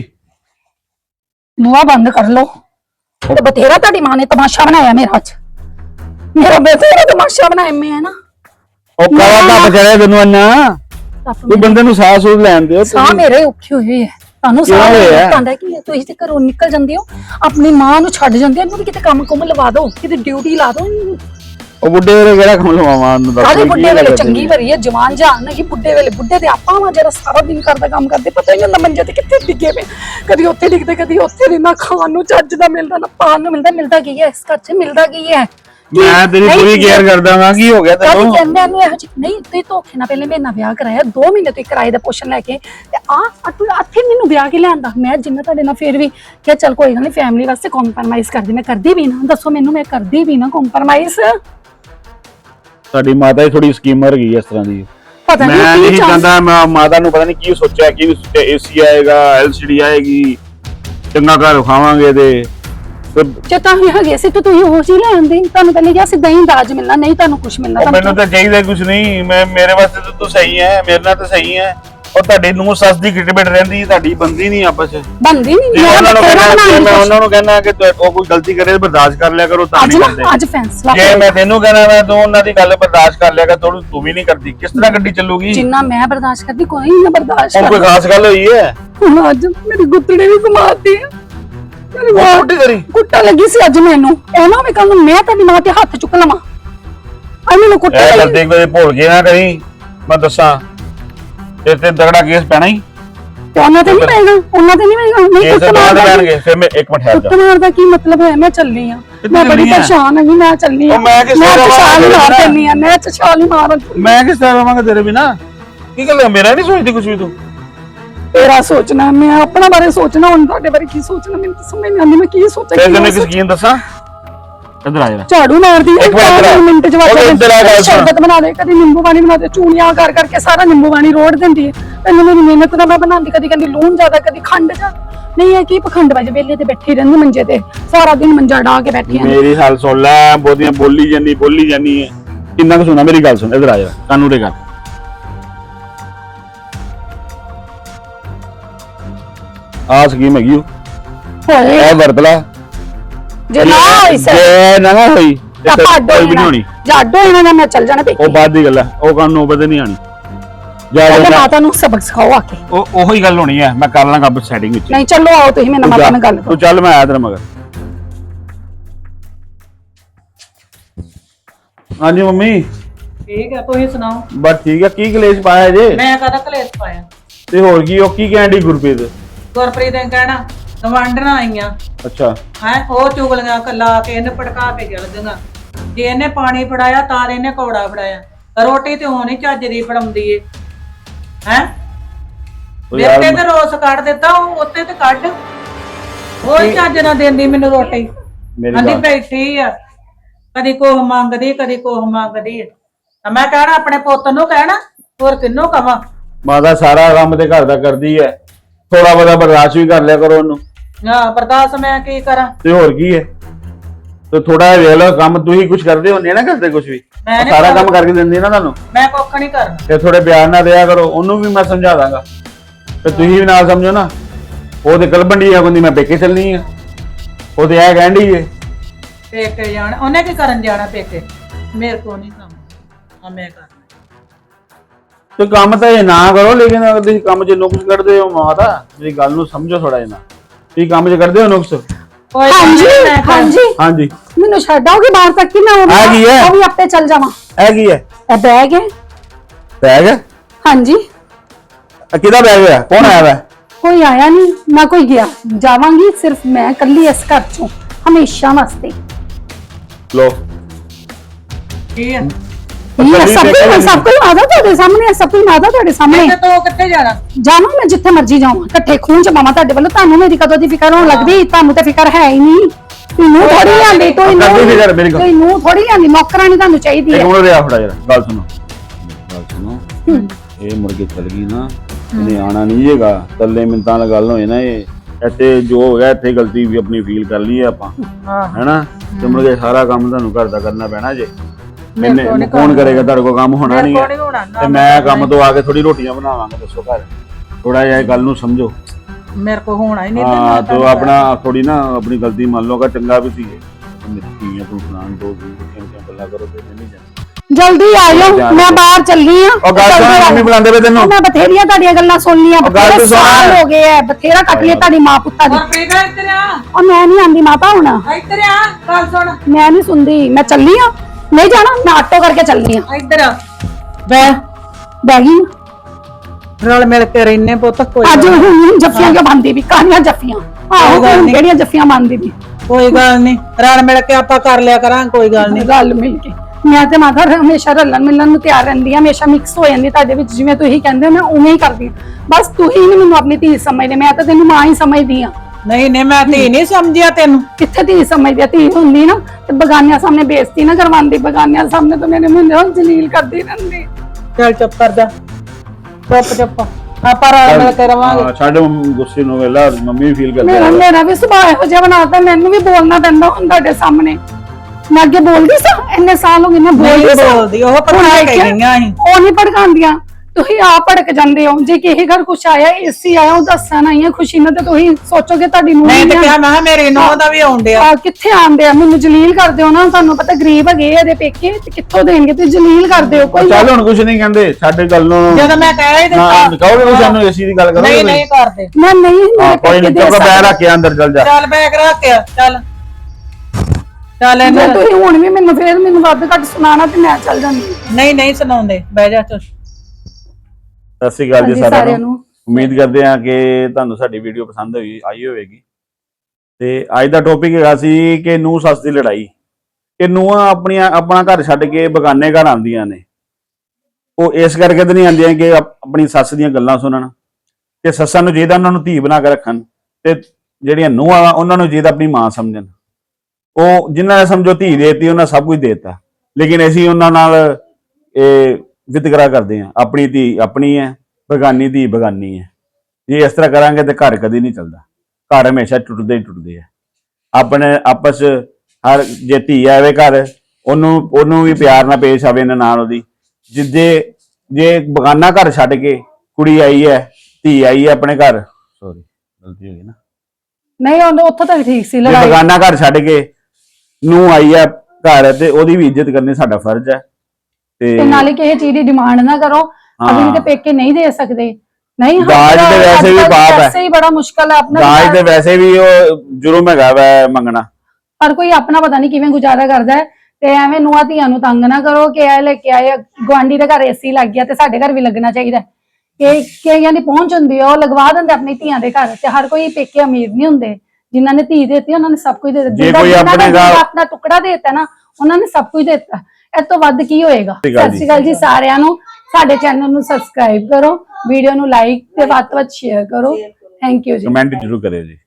Speaker 2: ਮੂੰਹ ਬੰਦ ਕਰ ਲਓ ਤੇ ਬਥੇਰਾ ਤੁਹਾਡੀ ਮਾਂ ਨੇ ਤਮਾਸ਼ਾ ਬਣਾਇਆ ਮੇਰਾ ਅੱਜ ਮੇਰਾ ਬਥੇਰਾ ਤਮਾਸ਼ਾ ਬਣਾਇਆ ਮੈਂ ਨਾ
Speaker 5: ਉਹ ਕਾਲਾ ਦੱਬ ਚੜਿਆ ਤੈਨੂੰ ਇੰਨਾ ਤੂੰ ਬੰਦੇ ਨੂੰ ਸਾਹ ਸੂਹ ਲੈਣ ਦਿਓ
Speaker 2: ਸਾਹ ਮੇਰੇ ਔਖੇ ਹੋਏ ਆ ਤੁਹਾਨੂੰ ਸਾਹ
Speaker 5: ਕਿਉਂ ਹੋਇਆ?
Speaker 2: ਆਉਂਦਾ ਕੀ ਹੈ ਤੁਸੀਂ ਤੇ ਘਰੋਂ ਨਿਕਲ ਜਾਂਦੇ ਹੋ ਆਪਣੀ ਮਾਂ ਨੂੰ ਛੱਡ ਜਾਂਦੇ ਹੋ ਇਹਨੂੰ ਵੀ ਕਿਤੇ ਕੰਮ ਕੁਮ ਲਵਾ ਦਿਓ ਕਿਤੇ ਡਿਊਟੀ ਲਾ ਦਿਓ ਇਹਨੂੰ।
Speaker 5: ਉਹ ਬੁੱਢੇ ਵੇਲੇ ਕਿਹੜਾ ਕੰਮ ਲਵਾਵਾਂ ਉਹਨੂੰ ਦੱਸ
Speaker 2: ਕਾਹਦੇ
Speaker 5: ਕੀ
Speaker 2: ਬੁੱਢੇ
Speaker 5: ਗੱਲ
Speaker 2: ਵੇਲੇ
Speaker 5: ਕਰਦੀ
Speaker 2: ਚੰਗੀ ਭਰੀ ਹੈ ਜਵਾਨ ਜਾਨ ਨਹੀਂ ਬੁੱਢੇ ਵੇਲੇ ਬੁੱਢੇ ਤੇ ਆਪਾਂ ਵਾ ਜਿਹੜਾ ਸਾਰਾ ਦਿਨ ਕਰਦਾ ਕੰਮ ਕਰਦੇ ਪਤਾ ਹੀ ਨਹੀਂ ਹੁੰਦਾ ਮੰਜੇ ਤੇ ਕਿੱਥੇ ਡਿੱਗੇ ਪਏ ਕਦੀ ਉੱਥੇ ਡਿੱਗਦੇ ਕਦੀ ਉੱਥੇ ਨਹੀਂ ਨਾ ਖਾਣ ਨੂੰ ਚੱਜ ਦਾ ਮਿਲਦਾ ਨਾ ਪਾਣ ਨੂੰ ਮਿਲਦਾ ਮਿਲਦਾ ਕੀ ਹੈ ਇਸ ਘਰ 'ਚ ਮਿਲਦਾ ਕੀ ਹੈ
Speaker 5: ਮੈਂ ਤੇਰੀ
Speaker 2: ਨਹੀਂ,
Speaker 5: ਪੂਰੀ ਕੇਅਰ ਕਰਦਾ ਵਾਂ ਕੀ ਹੋ ਗਿਆ
Speaker 2: ਕਾਹਦੀ
Speaker 5: ਤੈਨੂੰ
Speaker 2: ਕਹਿੰਦੇ ਇਹਨੂੰ ਇਹੋ ਜਿਹੀ ਨਹੀਂ ਤੁਸੀਂ ਧੋਖੇ ਨਾਲ ਪਹਿਲੇ ਮੇਰੇ ਨਾਲ ਵਿਆਹ ਕਰਾਇਆ ਦੋ ਮਹੀਨੇ ਤੋਂ ਕਿਰਾਏ ਦਾ ਪੋਸ਼ਨ ਲੈ ਕੇ ਤੇ ਆ ਇੱਥੇ ਮੈਨੂੰ ਵਿਆਹ ਕੇ ਲਿਆਂਦਾ ਮੈਂ ਜਿੰਨਾ ਤੁਹਾਡੇ ਨਾਲ ਫੇਰ ਵੀ ਕਿਹਾ ਚੱਲ ਕੋਈ ਗੱਲ ਨਹੀਂ ਫੈਮਿਲੀ ਵਾਸਤੇ ਕੰਪਰਮਾਈਜ਼ ਕਰਦੀ ਮੈਂ ਕਰਦੀ ਵੀ ਨਾ ਦੱਸੋ ਮੈਨੂੰ ਮੈਂ ਕਰਦੀ ਵੀ ਨਾ ਕੰਪਰਮਾਈਜ਼
Speaker 5: ਸਾਡੀ ਮਾਤਾ ਹੀ ਥੋੜੀ ਸਕੀਮਰ ਗਈ ਇਸ ਤਰ੍ਹਾਂ ਦੀ
Speaker 2: ਪਤਾ
Speaker 5: ਮੈਂ
Speaker 2: ਨਹੀਂ
Speaker 5: ਨਹੀਂ
Speaker 2: ਕੀ ਚਾਂਸ
Speaker 5: ਚਾਹੁੰਦਾ ਮੈਂ ਮਾਤਾ ਨੂੰ ਪਤਾ ਨਹੀਂ ਕੀ ਸੋਚਿਆ ਕੀ ਨਹੀਂ ਸੋਚਿਆ ਏਸੀ ਆਏਗਾ ਐਲਸੀਡੀ ਆਏਗੀ ਚੰਗਾ ਘਰ ਖਾਵਾਂਗੇ ਤੇ
Speaker 2: ਜੇ ਤਾਂ ਹੀ ਹੈਗੇ ਸੀ ਤਾਂ ਤੁਸੀਂ ਉਹ ਚੀਜ਼ ਲੈ ਆਂਦੇ ਤੁਹਾਨੂੰ ਪਹਿਲੇ ਕਿਹਾ ਸੀ ਦਹੀਂ ਦਾਜ ਮਿਲਣਾ ਨਹੀਂ ਤੁਹਾਨੂੰ ਕੁਝ ਮਿਲਣਾ
Speaker 5: ਉਹ ਮੈਨੂੰ ਤਾਂ ਚਾਹੀਦਾ ਕੁਝ ਨਹੀਂ ਮੈਂ ਮੇਰੇ ਵਾਸਤੇ ਤਾਂ ਤੂੰ ਸਹੀ ਹੈ ਮੇਰੇ ਨਾਲ ਤਾਂ ਸਹੀ ਹੈ ਉਹ ਤੁਹਾਡੀ ਨੂੰ ਸੱਸ ਦੀ ਗਿਟਬਿਟ ਰਹਿੰਦੀ ਤੁਹਾਡੀ ਬੰਦੀ ਨਹੀਂ ਆਪਸ ਚ
Speaker 2: ਬੰਦੀ ਨਹੀਂ
Speaker 5: ਜੇ ਉਹਨਾਂ ਨੂੰ ਕਹਿੰਦਾ ਮੈਂ ਉਹਨਾਂ ਨੂੰ ਕਹਿੰਦਾ ਕਿ ਉਹ ਕੋਈ ਗਲਤੀ ਕਰੇ ਬਰਦਾਸ਼ਤ ਕਰ ਲਿਆ ਕਰੋ ਤਾਂ
Speaker 2: ਅੱਜ
Speaker 5: ਨਹੀਂ
Speaker 2: ਨਾ
Speaker 5: ਕਰਦੇ
Speaker 2: ਅੱਜ ਫੈਸਲਾ
Speaker 5: ਜੇ ਮੈਂ ਤੈਨੂੰ ਕਹਿੰਦਾ ਮੈਂ ਤੂੰ ਉਹਨਾਂ ਦੀ ਗੱਲ ਬਰਦਾਸ਼ਤ ਕਰ ਲਿਆ ਕਰ ਤੂੰ ਤੂੰ ਵੀ ਨਹੀਂ ਕਰਦੀ ਕਿਸ ਤਰ੍ਹਾਂ ਗੱਡੀ ਚੱਲੂਗੀ
Speaker 2: ਜਿੰਨਾ ਮੈਂ ਬਰਦਾਸ਼ਤ ਕਰਦੀ ਕੋਈ ਨਹੀਂ ਬਰਦਾਸ਼ਤ
Speaker 5: ਹੁਣ ਕੋਈ ਖਾਸ ਗੱਲ ਹੋਈ ਹੈ
Speaker 2: ਹੁਣ ਅੱਜ ਮੇਰੀ ਗੁੱਤੜੇ ਵੀ ਘੁਮਾਤੀ ਮੇਰੀ
Speaker 5: ਉਹ
Speaker 2: ਮਾਂ
Speaker 5: ਛੁੱਟੀ ਕਰੀ
Speaker 2: ਕੁੱਟਾ ਲੱਗੀ ਸੀ ਅੱਜ ਮੈਨੂੰ ਇਹਨਾਂ ਵੀ ਕੱਲ ਨੂੰ ਮੈਂ ਤੁਹਾਡੀ ਮਾਂ ਤੇ ਹੱਥ ਚੁੱਕ ਲਵਾਂ ਆ ਮੈਨੂੰ ਕੁੱਟਾ
Speaker 5: ਇਹ
Speaker 2: ਲੱਗੀ
Speaker 5: ਕਰਦੇ ਕੋਈ ਭੁੱਲ ਕੇ ਨਾ ਕਰੀ ਮੈਂ ਦੱਸਾਂ ਤੇ ਤੇ ਤਗੜਾ ਕੇਸ ਪੈਣਾ ਹੀ
Speaker 2: ਤੇ ਉਹਨਾਂ ਤੇ ਨਹੀਂ ਪਏਗਾ ਉਹਨਾਂ ਤੇ ਨਹੀਂ ਪਏਗਾ ਨਹੀਂ
Speaker 5: ਕੇਸ
Speaker 2: ਕੁੱਟ
Speaker 5: ਬਾਅਦ
Speaker 2: ਮਾਰਦਾ
Speaker 5: ਪੈਣਗੇ ਫਿਰ ਮੈਂ ਇੱਕ ਮਿੰਟ ਠਹਿਰ ਜਾ
Speaker 2: ਕੁੱਟ ਮਾਰਦਾ ਕੀ ਮਤਲਬ ਹੈ ਮੈਂ ਚੱਲੀ ਆ ਮੈਂ ਬੜੀ
Speaker 5: ਚੱਲੀ ਆਂ?
Speaker 2: ਪਰੇਸ਼ਾਨ ਹਾਂ ਮੈਂ ਚੱਲੀ ਆ
Speaker 5: ਉਹ ਮੈਂ ਕਿਸ ਤਰ੍ਹਾਂ
Speaker 2: ਛਾਲ ਹੀ ਮਾਰ
Speaker 5: ਰਵਾਂਗਾ?
Speaker 2: ਦਿੰਨੀ ਆ ਮੈਂ ਛਾਲ ਹੀ ਮਾਰ
Speaker 5: ਮੈਂ ਕਿਸ ਤਰ੍ਹਾਂ ਰਵਾਂਗਾ ਤੇਰੇ ਬਿਨਾ ਕੀ ਗੱਲ ਹੈ ਮੇਰਾ ਨਹੀਂ ਸੋਚਦੀ ਕੁਝ ਵੀ ਤੂੰ
Speaker 2: ਤੇਰਾ ਸੋਚਣਾ ਮੈਂ ਆਪਣਾ ਬਾਰੇ ਸੋਚਣਾ ਹੁਣ ਤੁਹਾਡੇ ਬਾਰੇ ਕੀ ਸੋਚਣਾ ਮੈਨੂੰ ਤਾਂ ਸਮਝ ਨਹੀਂ ਆਉਂਦੀ ਮੈਂ ਕੀ ਸੋਚਾਂ
Speaker 5: ਤੇ
Speaker 2: ਕੀ
Speaker 5: ਤੈਨੂੰ
Speaker 2: ਨਾ
Speaker 5: ਇੱਕ ਸਕੀਮ ਦੱਸਾਂ ਇੱਧਰ ਆ ਜਾ
Speaker 2: ਝਾੜੂ ਮਾਰਦੀ
Speaker 5: ਇੱਕ ਮਿੰਟ ਇੱਧਰ ਆ।
Speaker 2: ਮਿੰਟ ਚ
Speaker 5: ਉਹ ਇੱਧਰ ਆ ਗੱਲ ਸੁਣ।
Speaker 2: ਸ਼ਰਬਤ ਬਣਾ ਦੇ ਕਦੀ ਨਿੰਬੂ ਪਾਣੀ ਬਣਾ ਦੇ ਚੂੜੀਆਂ ਕਰ ਕਰਕੇ ਸਾਰਾ ਨਿੰਬੂ ਪਾਣੀ ਰੋੜ ਦਿੰਦੀ ਹੈ ਤੈਨੂੰ ਮੇਰੀ ਮਿਹਨਤ ਦਾ ਮੈਂ ਬਣਾਉਂਦੀ ਕਦੀ ਕਹਿੰਦੀ ਲੂਣ ਜ਼ਿਆਦਾ ਕਦੀ ਖੰਡ ਜ਼ਿਆਦਾ ਨਹੀਂ ਇਹ ਕੀ ਪਖੰਡ ਵਜੇ ਵੇਲੇ ਤੇ ਬੈਠੀ ਰਹਿੰਦੀ ਮੰਜੇ ਤੇ ਸਾਰਾ ਦਿਨ ਮੰਜਾ ਢਾ ਕੇ ਬੈਠੀ ਰਹਿੰਦੀ
Speaker 5: ਮੇਰੀ ਹਾਲ ਸੁਣ ਲੈ ਬੋਦੀਆਂ ਬੋਲੀ ਜਾਂਦੀ ਬੋਲੀ ਜਾਂਦੀ ਹੈ ਕਿੰਨਾ ਕੁ ਸੁਣਾ ਮੇਰੀ ਗੱਲ ਸੁਣ ਇੱਧਰ ਆ ਜਾ ਕਾਨੂੰ ਦੇ ਗੱਲ ਆ ਸਕੀਮ ਹੈਗੀ ਉਹ
Speaker 2: ਹੋਏ
Speaker 5: ਇਹ ਵਰਤ ਲਾ
Speaker 2: ਜੇ ਨਾ ਹੋਈ ਸੇ
Speaker 5: ਜੇ ਨਾ ਨਾ ਹੋਈ ਤੇ
Speaker 2: ਤਾਂ
Speaker 5: ਫਿਰ
Speaker 2: ਪਾਡੋ
Speaker 5: ਕੋਈ ਵੀ ਨਹੀਂ ਹੋਣੀ
Speaker 2: ਜਾਡੋ ਇਹਨਾਂ ਦਾ ਮੈਂ ਚੱਲ ਜਾਣਾ ਪਈ
Speaker 5: ਉਹ ਬਾਅਦ ਦੀ ਗੱਲ ਹੈ ਉਹ ਕੰਮ ਨੋਬਤ ਨਹੀਂ ਆਣੀ ਜਾ
Speaker 2: ਪਹਿਲੇ
Speaker 5: ਜਾ
Speaker 2: ਮਾਤਾ ਨੂੰ ਸਬਕ ਸਿਖਾਓ ਆ ਕੇ
Speaker 5: ਉਹ ਉਹੀ ਗੱਲ ਹੋਣੀ ਹੈ ਮੈਂ ਕਰ ਲਾਂਗਾ ਸੈਟਿੰਗ ਵਿੱਚ
Speaker 2: ਨਹੀਂ ਚਲੋ ਆਓ ਤੁਸੀਂ ਮੇਰੇ ਨਾਲ ਮਾਤਾ ਨਾਲ ਗੱਲ ਕਰੋ
Speaker 5: ਤੂੰ ਚੱਲ ਮੈਂ ਆਇਆ ਤੇਰੇ ਮਗਰ ਹਾਂਜੀ ਮੰਮੀ
Speaker 1: ਠੀਕ ਹੈ ਤੁਸੀਂ ਸੁਣਾਓ
Speaker 5: ਬਸ ਠੀਕ ਹੈ ਕੀ ਕਲੇਸ਼ ਪਾਇਆ ਜੇ
Speaker 1: ਮੈਂ ਕਦਾ ਕਲੇਸ਼ ਪਾਇਆ
Speaker 5: ਤੇ ਹੋਰ ਕੀ ਉਹ ਕੀ ਕਹਿੰਦੀ ਗੁਰਪ੍ਰੀਤ
Speaker 1: ਗੁਰਪ੍ਰੀਤ ਨੇ ਕਹਿਣਾ ਗਵਾਂਢਣਾ ਆਈਆਂ
Speaker 5: ਅੱਛਾ
Speaker 1: ਹੈ ਉਹ ਚੁਗਲੀਆਂ ਕੱਲਾ ਕੇ ਇਹਨੇ ਪਟਕਾ ਕੇ ਜਲ ਦਿੰਗਾ ਜੇ ਇਹਨੇ ਪਾਣੀ ਫੜਾਇਆ ਤਾਂ ਇਹਨੇ ਕੌੜਾ ਫੜਾਇਆ ਰੋਟੀ ਤੇ ਉਹ ਨਹੀਂ ਚੱਜ ਦੀ ਫੜਾਉਂਦੀ ਏ ਹੈ
Speaker 5: ਉਹ ਯਾਰ
Speaker 1: ਮੇਰੇ ਤੇ ਰੋਸ ਕੱਢ ਦਿੱਤਾ ਉਹ ਉੱਤੇ ਤੇ ਕੱਢ ਉਹ ਹੀ ਚੱਜ ਨਾਲ ਦਿੰਦੀ ਮੈਨੂੰ ਰੋਟੀ
Speaker 5: ਮੇਰੀ
Speaker 1: ਆਂਦੀ
Speaker 5: ਗੱਲ
Speaker 1: ਬੈਠੀ ਆ ਕਦੀ ਕੋਹ ਮੰਗਦੀ ਕਦੀ ਕੋਹ ਮੰਗਦੀ ਆ ਤਾਂ ਮੈਂ ਕਹਿਣਾ ਆਪਣੇ ਪੁੱਤ ਨੂੰ ਕਹਿਣਾ ਹੋਰ ਕਿੰਨੂੰ ਕਵਾਂ
Speaker 5: ਮਾਤਾ ਸਾਰਾ ਕੰਮ ਤੇ ਘਰ ਦਾ ਕਰਦੀ ਹੈ ਥੋੜਾ ਬਹੁਤਾ ਬਰਦਾਸ਼ਤ ਵੀ ਕਰ ਲਿਆ ਕਰੋ ਉਹਨੂੰ
Speaker 1: ਨਾ ਬਰਦਾਸ਼ਤ ਮੈਂ ਕੀ ਕਰਾਂ
Speaker 5: ਤੇ ਹੋਰ ਕੀ ਹੈ ਤੇ ਥੋੜਾ ਜਿਹਾ ਵੇਖ ਲਓ ਕੰਮ ਤੁਸੀਂ ਕੁਝ ਕਰਦੇ ਹੁੰਦੇ ਨਾ ਕਰਦੇ ਕੁਝ ਵੀ
Speaker 1: ਮੈਂ
Speaker 5: ਉਹ
Speaker 1: ਨੀ
Speaker 5: ਸਾਰਾ
Speaker 1: ਕਰਨਾ।
Speaker 5: ਕੰਮ ਕਰਕੇ ਦਿੰਦੀ ਨਾ ਤੁਹਾਨੂੰ
Speaker 1: ਮੈਂ ਕੁੱਖ ਨਹੀਂ ਕਰਨਾ
Speaker 5: ਤੇ ਥੋੜੇ ਪਿਆਰ ਨਾਲ ਰਿਹਾ ਕਰੋ ਉਹਨੂੰ ਵੀ ਮੈਂ ਸਮਝਾ ਦਾਂਗਾ ਤੇ ਤੁਸੀਂ ਵੀ ਨਾਲ ਸਮਝੋ ਨਾ ਉਹ ਤੇ ਕਲਬੰਡੀ ਆ ਬੰਦੀ ਮੈਂ ਪੇਕੇ ਚੱਲਣੀ ਆ ਉਹ ਤੇ ਇਹ ਕਹਿੰਦੀ ਏ
Speaker 1: ਪੇਕੇ ਜਾਣਾ ਉਹਨੇ ਕੀ ਕਰਨ ਜਾਣਾ ਪੇਕੇ ਮੇਰੇ ਕੋ ਨਹੀਂ ਕੰਮ ਆ ਮੈਂ ਕਰਨਾ
Speaker 5: ਤੇ ਕੰਮ ਤਾਂ ਇਹ ਨਾ ਕਰੋ ਲੇਕਿਨ ਅਗਰ ਤੁਸੀਂ ਕੰਮ 'ਚ ਨੁਕਸ ਕੱਢਦੇ ਹੋ ਮਾਤਾ ਮੇਰੀ ਗੱਲ ਨੂੰ ਸਮਝੋ ਥੋੜਾ ਜਿਹਾ ਤੁਸੀਂ ਕੰਮ 'ਚ ਕਰਦੇ ਹੋ ਨੁਕਸ
Speaker 1: ਕੋਈ ਗੱਲ
Speaker 2: ਹਾਂਜੀ
Speaker 1: ਨੀ, ਮੈਂ ਕਰ-
Speaker 2: ਹਾਂਜੀ
Speaker 5: ਹਾਂਜੀ
Speaker 2: ਮੈਨੂੰ ਛੱਡ ਆਓਗੇ ਬਾਹਰ ਤੱਕ ਕਿ ਮੈਂ ਉਹ
Speaker 5: ਆ ਗਈ ਹੈ।
Speaker 2: ਉਹ ਵੀ ਆਪੇ ਚੱਲ ਜਾਵਾਂ
Speaker 5: ਇਹ ਕੀ ਹੈ
Speaker 2: ਇਹ ਬੈਗ ਹੈ
Speaker 5: ਬੈਗ
Speaker 2: ਹਾਂਜੀ
Speaker 5: ਇਹ ਕਿਹਦਾ ਬੈਗ ਹੈ ਕੌਣ ਆਇਆ ਵਾ
Speaker 2: ਕੋਈ ਆਇਆ ਨਹੀਂ ਨਾ ਕੋਈ ਗਿਆ ਜਾਵਾਂਗੀ ਸਿਰਫ ਮੈਂ ਇਕੱਲੀ ਇਸ ਘਰ ਚੋਂ ਹਮੇਸ਼ਾ ਵਾਸਤੇ
Speaker 5: ਲੋ
Speaker 1: ਕੀ ਆ
Speaker 2: ਇਹ
Speaker 5: ਕੱਲੀ
Speaker 2: ਸਭ
Speaker 5: ਬੈਠੇ
Speaker 2: ਕੁਝ
Speaker 5: ਰਹਿੰਦੇ।
Speaker 2: ਸਭ ਕੁਝ ਆਦਾ ਤੁਹਾਡੇ ਸਾਹਮਣੇ ਹੈ, ਸਭ ਕੁਝ ਆਦਾ ਤੁਹਾਡੇ ਸਾਹਮਣੇ
Speaker 1: ਤੇ ਤੂੰ ਕਿੱਥੇ ਜਾਣਾ
Speaker 2: ਜਾਵਾਂ ਮੈਂ ਜਿੱਥੇ ਮਰਜ਼ੀ ਜਾਵਾਂ ਇਕੱਠੇ ਖੂਨ ਚ ਮਾਮਾ ਤੁਹਾਡੇ ਵੱਲੋਂ ਤੁਹਾਨੂੰ ਮੇਰੀ ਕਦੋਂ ਦੀ ਫਿਕਰ ਹੋਣ ਲੱਗਦੀ ਤੁਹਾਨੂੰ ਤੇ ਫਿਕਰ ਹੈ ਹੀ ਨਹੀਂ ਤੈਨੂੰ ਥੋੜੀ ਲਿਆਂਦੀ ਤੂੰ
Speaker 5: ਕਰਦੀ ਫਿਕਰ ਮੇਰੀ ਗੱਲ।
Speaker 2: ਤੈਨੂੰ ਥੋੜੀ ਲਿਆਂਦੀ ਨੌਕਰਾਨੀ ਤੁਹਾਨੂੰ ਚਾਹੀਦੀ
Speaker 5: ਇੱਕ
Speaker 2: ਹੈ
Speaker 5: ਮਿੰਟ ਰਿਹਾ ਫੜਾ ਜਰਾ ਗੱਲ ਸੁਣੋ ਗੱਲ ਸੁਣੋ ਇਹ ਮੁੜ ਕੇ ਚੱਲ ਗਈ ਨਾ ਇਹਨੇ ਆਣਾ ਨਹੀਂ ਜੇਗਾ ਤੱਲੇ ਮਿੰਤਾਂ ਨਾਲ ਗੱਲ ਹੋਏ ਨਾ ਇਹ ਇੱਥੇ ਜੋ ਹੋ ਗਿਆ ਇੱਥੇ ਗਲਤੀ ਵੀ ਆਪਣੀ ਫੀਲ ਕਰ ਲਈ ਹੈ ਆਪਾਂ
Speaker 1: ਹਾਂ
Speaker 5: ਹੈਨਾ ਤੇ ਮੁੜ ਕੇ ਸਾਰਾ ਕੰਮ ਤੁਹਾਨੂੰ ਘਰ ਦਾ ਕਰਨਾ ਪੈਣਾ ਜੇ
Speaker 1: ਮੇਰੇ ਕੋਲ
Speaker 5: ਇਹਨੇ
Speaker 1: ਨੀ
Speaker 5: ਕੌਣ ਕਰੇਗਾ ਤੁਹਾਡੇ ਕੋਲ ਕੰਮ ਹੋਣਾ
Speaker 1: ਮੇਰੇ
Speaker 5: ਨਹੀਂ
Speaker 1: ਕੋਲ
Speaker 5: ਹੈ
Speaker 1: ਨਹੀਂ ਹੋਣਾ ਨਾ
Speaker 5: ਤੇ ਮੈਂ ਕੰਮ ਤੋਂ ਆ ਕੇ ਥੋੜੀ ਰੋਟੀਆਂ ਬਣਾਵਾਂਗਾ ਦੱਸੋ ਘਰ ਥੋੜਾ ਜਿਹਾ ਇਹ ਗੱਲ ਨੂੰ ਸਮਝੋ
Speaker 1: ਮੇਰੇ ਕੋਲ ਹੋਣਾ ਹੀ ਨਹੀਂ
Speaker 5: ਹਾਂ ਤੋ ਆਪਣਾ ਥੋੜੀ ਨਾ ਆਪਣੀ ਗਲਤੀ ਮੰਨ ਲਓਗਾ ਚੰਗਾ ਵੀ ਸੀ ਮੇਰੀ ਤੂੰ ਸੁਣਾਣ ਦੋ ਵੀ ਕਿੰਨੀਆਂ ਗੱਲਾਂ ਕਰੋ ਤੇ ਨਹੀਂ ਜਾਂਦੇ
Speaker 2: ਜਲਦੀ ਆ ਜਾਓ ਮੈਂ ਬਾਹਰ ਚੱਲੀ ਆ
Speaker 5: ਉਹ ਗੱਲ ਸੁਣ ਮੰਮੀ ਬੁਲਾਉਂਦੇ ਪਏ ਤੈਨੂੰ
Speaker 2: ਮੈਂ ਬਥੇਰੀਆਂ ਤੁਹਾਡੀਆਂ ਗੱਲਾਂ ਸੁਣ ਲੀਆਂ
Speaker 5: ਉਹ ਗੱਲ
Speaker 2: ਬਥੇਰੇ
Speaker 5: ਤਾਂ ਸੁਣ।
Speaker 2: ਸਾਲ ਹੋ ਗਏ ਐ ਬਥੇਰਾ ਕੱਟੀਏ ਤੁਹਾਡੀ ਮਾਂ ਪੁੱਤਾਂ ਦੀ
Speaker 1: ਗੁਰਪ੍ਰੀਤ ਇੱਧਰ ਆ
Speaker 2: ਉਹ ਮੈਂ ਨਹੀਂ ਆਂਦੀ ਮਾਤਾ ਹੁਣ
Speaker 1: ਇੱਧਰ ਆ ਗੱਲ ਸੁਣ
Speaker 2: ਮੈਂ ਨਹੀਂ ਸੁਣਦੀ ਮੈਂ ਚੱਲੀ ਆ ਨਹੀਂ ਜਾਣਾ ਮੈਂ ਆਟੋ ਕਰਕੇ ਚੱਲਨੀ ਆ
Speaker 1: ਇੱਧਰ ਆ ਬੈ
Speaker 2: ਬਹਿ ਗਈ ਆ।
Speaker 1: ਰਲ ਮਿਲ ਕੇ ਰਹਿਨੇ ਪੁੱਤ ਕੋਈ
Speaker 2: ਅੱਜ ਹੁਣ ਜੱਫੀਆਂ ਕਿਉਂ ਬੰਦੀ ਵੀ ਕਾਹਦੀਆਂ ਜੱਫੀਆਂ ਆਹੋ
Speaker 1: ਗੱਲ
Speaker 2: ਹੁਣ
Speaker 1: ਨੀ।
Speaker 2: ਕਿਹੜੀਆਂ ਜੱਫੀਆਂ ਬੰਦੀ ਵੀ
Speaker 1: ਕੋਈ ਗੱਲ ਨਹੀਂ ਰਲ ਮਿਲ ਕੇ ਆਪਾਂ ਕਰ ਲਿਆ ਕਰਾਂਗੇ ਕੋਈ ਗੱਲ ਨਹੀਂ
Speaker 2: ਗੱਲ ਮਿਲ ਕੇ ਮੈਂ ਤੇ ਮਾਤਾ ਹਮੇਸ਼ਾ ਰਲਣ ਮਿਲਣ ਨੂੰ ਤਿਆਰ ਰਹਿੰਦੀ ਆ ਹਮੇਸ਼ਾ ਮਿਕਸ ਹੋ ਜਾਂਦੀ ਤੁਹਾਡੇ ਵਿੱਚ ਜਿਵੇਂ ਤੁਸੀਂ ਕਹਿੰਦੇ ਹੋ ਮੈਂ ਉਵੇਂ ਹੀ ਕਰਦੀ ਹਾਂ ਬਸ ਤੁਸੀਂ ਨਹੀਂ ਮੈਨੂੰ ਆਪਣੀ ਧੀ ਸਮਝਦੇ ਮੈਂ ਤਾਂ ਤੈਨੂੰ ਮਾਂ ਹੀ ਸਮਝਦੀ ਆ
Speaker 1: ਨਹੀਂ ਨਹੀਂ ਮੈਂ ਧੀ ਨਹੀਂ ਸਮਝਿਆ ਤੈਨੂੰ
Speaker 2: ਕਿੱਥੇ ਧੀ ਸਮਝਦੀ ਆ ਧੀ ਹੁੰਦੀ ਨਾ ਤੇ ਬਗਾਨਿਆਂ ਸਾਹਮਣੇ ਬੇਇੱਜ਼ਤੀ ਨਾ ਕਰਵਾਉਂਦੀ ਬਗਾਨਿਆਂ ਸਾਹਮਣੇ ਤਾਂ ਮੇਰੇ ਮੈਨੂੰ ਜਲੀਲ ਕਰਦੀ ਰਹਿੰਦੀ
Speaker 1: ਚੱਲ ਚੁੱਪ ਕਰ ਜਾ ਚੁੱਪ ਚੁੱਪ ਆਪਾਂ ਰਲ ਮਿਲ ਕੇ ਰਵਾਂਗੇ
Speaker 5: ਹਾਂ ਛੱਡ ਗੁੱਸੇ ਨੂੰ ਵੇਲਾ ਮੰਮੀ ਵੀ ਫੀਲ ਕਰਦੇ
Speaker 2: ਮੇਰਾ ਮੇਰਾ ਵੀ ਸੁਭਾਅ ਇਹੋ ਜਿਹਾ ਬਣਾਤਾ ਮੈਨੂੰ ਵੀ ਬੋਲਣਾ ਪੈਂਦਾ ਹੁਣ ਤੁਹਾਡੇ ਸਾਹਮਣੇ ਮੈਂ ਅੱਗੇ ਬੋਲਦੀ ਸਾਂ ਇੰਨੇ ਸਾਲ ਹੋ ਗਏ ਮੈਂ
Speaker 1: ਨਹੀਂ
Speaker 2: ਬੋਲਦੀ ਸਾਂ
Speaker 1: ਬੋਲਦੀ ਉਹ ਪਤਾ
Speaker 2: ਹੁਣ
Speaker 1: ਕੇ ਗਈਆਂ ਅਸੀਂ
Speaker 2: ਉਹ ਨਹੀਂ ਭੜਕਾਉਂਦੀਆਂ ਤੁਸੀਂ ਆਪ ਭੜਕ ਜਾਂਦੇ ਹੋ ਜੇ ਕਿਸੇ ਘਰ ਕੁਛ ਆਇਆ ਏਸੀ ਆਇਆ ਉਹ ਦੱਸਣ ਆਈ ਹੈ ਖੁਸ਼ੀ ਨਾਲ ਤੇ ਤੁਸੀਂ ਸੋਚੋਗੇ ਤੁਹਾਡੀ ਨੂੰਹ
Speaker 1: ਮੈਂ ਤੇ
Speaker 2: ਦੀਆਂ-
Speaker 1: ਕਿਹਾ ਮੈਂ ਕਿਹਾ ਮੇਰੀ ਨੂੰਹ ਦਾ ਵੀ ਆਉਣ ਡਿਆ
Speaker 2: ਆ ਕਿੱਥੇ ਆਂਦੇ ਆ ਮੈਨੂੰ ਜਲੀਲ ਕਰਦੇ ਹੋ ਨਾ ਤੁਹਾਨੂੰ ਪਤਾ ਗਰੀਬ ਹੈਗੇ ਆ ਇਹਦੇ ਪੇਕੇ ਤੇ ਕਿੱਥੋਂ ਦੇਣਗੇ ਤੇ ਜਲੀਲ ਕਰਦੇ ਹੋ ਕੋਈ
Speaker 5: ਚੱਲ ਹੁਣ ਕੁਝ ਨਹੀਂ ਕਹਿੰਦੇ ਸਾਡੇ ਗੱਲ ਨੂੰ
Speaker 1: ਜਦੋਂ ਮੈਂ ਕਹਿ ਹੀ
Speaker 5: ਨਾ
Speaker 1: ਦਿੱਤਾ
Speaker 5: ਕਹੋਗੇ ਤੁਸੀਂ ਸਾਨੂੰ ਏਸੀ ਦੀ ਗੱਲ ਕਰੋਗੇ
Speaker 1: ਨਹੀਂ ਨਹੀਂ ਕਰਦੇ
Speaker 2: ਮੈਂ ਨਹੀਂ
Speaker 5: ਹਾਂ
Speaker 2: ਮੇਰੇ
Speaker 5: ਕੋਈ
Speaker 2: ਪੇਕੇ
Speaker 5: ਨਹੀਂ
Speaker 2: ਦੇ
Speaker 5: ਚੁੱਪ ਬੈ ਰੱਖ ਕੇ ਅੰਦਰ ਚੱਲ ਜਾ
Speaker 1: ਚੱਲ ਬੈਗ ਰੱਖ ਕੇ ਆ, ਚੱਲ ਚੱਲ
Speaker 2: ਜੇ
Speaker 1: ਇਹਨੇ
Speaker 2: ਤੁਸੀਂ ਹੁਣ ਵੀ ਮੈਨੂੰ ਫੇਰ ਮੈਨੂੰ ਵੱਧ ਘੱਟ ਸੁਣਾਣਾ ਤੇ ਮੈਂ ਚੱਲ ਜਾਂਦੀ ਹਾਂ।
Speaker 1: ਨਹੀਂ ਨਹੀਂ ਸੁਣਾਉਂਦੇ ਬਹਿ ਜਾ ਤੂੰ
Speaker 5: ਸਤਿ ਸ਼੍ਰੀ ਅਕਾਲ ਜੀ
Speaker 2: ਹਾਂਜੀ,
Speaker 5: ਸਾਰਿਆਂ
Speaker 2: ਸਾਰਿਆਂ
Speaker 5: ਨੂੰ
Speaker 2: ਨੂੰ।
Speaker 5: ਉਮੀਦ ਕਰਦੇ ਹਾਂ ਕਿ ਤੁਹਾਨੂੰ ਸਾਡੀ ਵੀਡੀਓ ਪਸੰਦ ਹੋਈ ਆਈ ਹੋਵੇਗੀ ਤੇ ਅੱਜ ਦਾ ਟੌਪਿਕ ਹੈਗਾ ਸੀ ਕਿ ਨੂੰਹ ਸੱਸ ਦੀ ਲੜਾਈ ਕਿ ਨੂੰਹਾਂ ਆਪਣੀਆਂ ਆਪਣਾ ਘਰ ਛੱਡ ਕੇ ਬਗਾਨੇ ਘਰ ਆਉਂਦੀਆਂ ਨੇ ਉਹ ਇਸ ਕਰਕੇ ਤਾਂ ਨਹੀਂ ਆਉਂਦੀਆਂ ਕਿ ਆਪ- ਆਪਣੀ ਸੱਸ ਦੀਆਂ ਗੱਲਾਂ ਸੁਣਨ ਤੇ ਸੱਸਾਂ ਨੂੰ ਚਾਹੀਦਾ ਉਹਨਾਂ ਨੂੰ ਧੀ ਬਣਾ ਕੇ ਰੱਖਣ ਤੇ ਜਿਹੜੀਆਂ ਨੂੰਹਾਂ ਵਾ ਉਹਨਾਂ ਨੂੰ ਚਾਹੀਦਾ ਆਪਣੀ ਮਾਂ ਸਮਝਣ ਉਹ ਜਿਨ੍ਹਾਂ ਨੇ ਸਮਝੋ ਧੀ ਦੇਤੀ ਉਹਨਾਂ ਸਭ ਕੁਝ ਦੇਤਾ ਲੇਕਿਨ ਅਸੀਂ ਉਹਨਾਂ ਨਾਲ ਇਹ ਵਿਤਕਰਾ ਕਰਦੇ ਹਾਂ ਆਪਣੀ ਧੀ ਆਪਣੀ ਹੈ ਬਗਾਨੀ ਧੀ ਬਗਾਨੀ ਹੈ ਜੇ ਇਸ ਤਰ੍ਹਾਂ ਕਰਾਂਗੇ ਤੇ ਘਰ ਕਦੀ ਨਹੀਂ ਚੱਲਦਾ ਘਰ ਹਮੇਸ਼ਾ ਟੁੱਟਦੇ ਹੀ ਟੁੱਟਦੇ ਆ ਆਪਣੇ ਆਪਸ ਹਰ ਜੇ ਧੀ ਆਵੇ ਘਰ ਉਹਨੂੰ ਉਹਨੂੰ ਵੀ ਪਿਆਰ ਨਾਲ ਪੇਸ਼ ਆਵੇ ਨਾਲ ਉਹਦੀ ਜਿੱਦੇ ਜੇ ਬਗਾਨਾ ਘਰ ਛੱਡ ਕੇ ਕੁੜੀ ਆਈ ਹੈ ਧੀ ਆਈ ਹੈ ਆਪਣੇ ਘਰ ਸੌਰੀ ਗਲਤੀ ਹੋ ਗਈ ਨਾ
Speaker 2: ਨਹੀਂ ਉਹ ਉੱਥੋਂ ਤੱਕ ਠੀਕ ਸੀ
Speaker 5: ਜੇ
Speaker 2: ਲੜਾਈ
Speaker 5: ਬਗਾਨਾ ਘਰ ਛੱਡ ਕੇ ਨੂੰ ਆਈ ਹੈ ਘਰ ਤੇ ਉਹਦੀ ਵੀ ਇੱਜ਼ਤ ਕਰਨੀ ਸਾਡਾ ਫਰਜ਼ ਹੈ
Speaker 2: ਤੇ
Speaker 5: ਤੇ
Speaker 2: ਨਾਲੇ ਕਿਸੇ ਚੀਜ਼ ਦੀ ਡਿਮਾਂਡ ਨਾ ਕਰੋ ਅਗਲੀ
Speaker 5: ਹਾਂ।
Speaker 2: ਤੇ ਪੇਕੇ ਨਹੀਂ ਦੇ ਸਕਦੇ ਨਹੀਂ ਹਾਂ,
Speaker 5: ਦਾਜ ਤੇ ਵੈਸੇ ਵੀ
Speaker 2: ਅੱਜ-ਕੱਲ੍ਹ
Speaker 5: ਪਾਪ ਹੈ।
Speaker 2: ਵੈਸੇ ਹੀ ਬੜਾ ਮੁਸ਼ਕਲ ਹੈ ਆਪਣਾ
Speaker 5: ਦਾਜ ਤੇ ਵੈਸੇ ਵੀ ਉਹ ਜੁਰਮ ਹੈਗਾ ਵੈ ਮੰਗਣਾ
Speaker 2: ਹਰ ਕੋਈ ਆਪਣਾ ਪਤਾ ਨਹੀਂ ਕਿਵੇਂ ਗੁਜ਼ਾਰਾ ਕਰਦਾ ਹੈ ਤੇ ਐਵੇਂ ਨੂੰਹਾਂ ਧੀਆਂ ਨੂੰ ਤੰਗ ਨਾ ਕਰੋ ਕਿ ਇਹ ਲੈ ਕੇ ਆਏ ਗੁਆਂਢੀ ਦੇ ਘਰ ਏਸੀ ਲੱਗ ਗਿਆ ਤੇ ਸਾਡੇ ਘਰ ਵੀ ਲੱਗਣਾ ਚਾਹੀਦਾ ਕਿ ਕਈਆਂ ਦੀ ਪਹੁੰਚ ਹੁੰਦੀ ਹੈ ਉਹ ਲਗਵਾ ਦਿੰਦੇ ਆਪਣੀ ਧੀਆਂ ਦੇ ਘਰ ਤੇ ਹਰ ਕੋਈ ਪੇਕੇ ਅਮੀਰ ਨਹੀਂ ਹੁੰਦੇ ਜਿਨ੍ਹਾਂ ਨੇ ਧੀ ਦੇਤੀ ਉਹਨਾਂ ਨੇ ਸਭ ਕੁਝ ਦੇ ਦਿੱਤਾ
Speaker 5: ਜੇ
Speaker 2: ਜਿਨ੍ਹਾਂ-
Speaker 5: ਕੋਈ
Speaker 2: ਜਿਨ੍ਹਾਂ
Speaker 5: ਆਪਣੇ
Speaker 2: ਨੇ
Speaker 5: ਘਰ-
Speaker 2: ਆਪਣਾ ਟੁਕੜਾ ਦੇ ਦਿੱਤਾ ਨਾ ਉਹਨਾਂ ਨੇ ਸਭ ਕੁਝ ਦੇ ਦਿੱਤਾ ਇਸ ਤੋਂ ਵੱਧ ਕੀ ਹੋਏਗਾ
Speaker 5: ਸਤਿ ਸ਼੍ਰੀ ਅਕਾਲ
Speaker 2: ਸਤਿ ਸ਼੍ਰੀ ਅਕਾਲ ਜੀ ਸਾਰਿਆਂ ਨੂੰ ਸਾਡੇ ਚੈਨਲ ਨੂੰ ਸਬਸਕ੍ਰਾਈਬ ਕਰੋ ਵੀਡੀਓ ਨੂੰ ਲਾਈਕ ਤੇ ਵੱਧ ਤੋਂ ਵੱਧ ਸ਼ੇਅਰ ਕਰੋ ਥੈਂਕ ਯੂ ਜੀ
Speaker 5: ਕਮੈਂਟ ਜ਼ਰੂਰ ਕਰਿਓ ਜੀ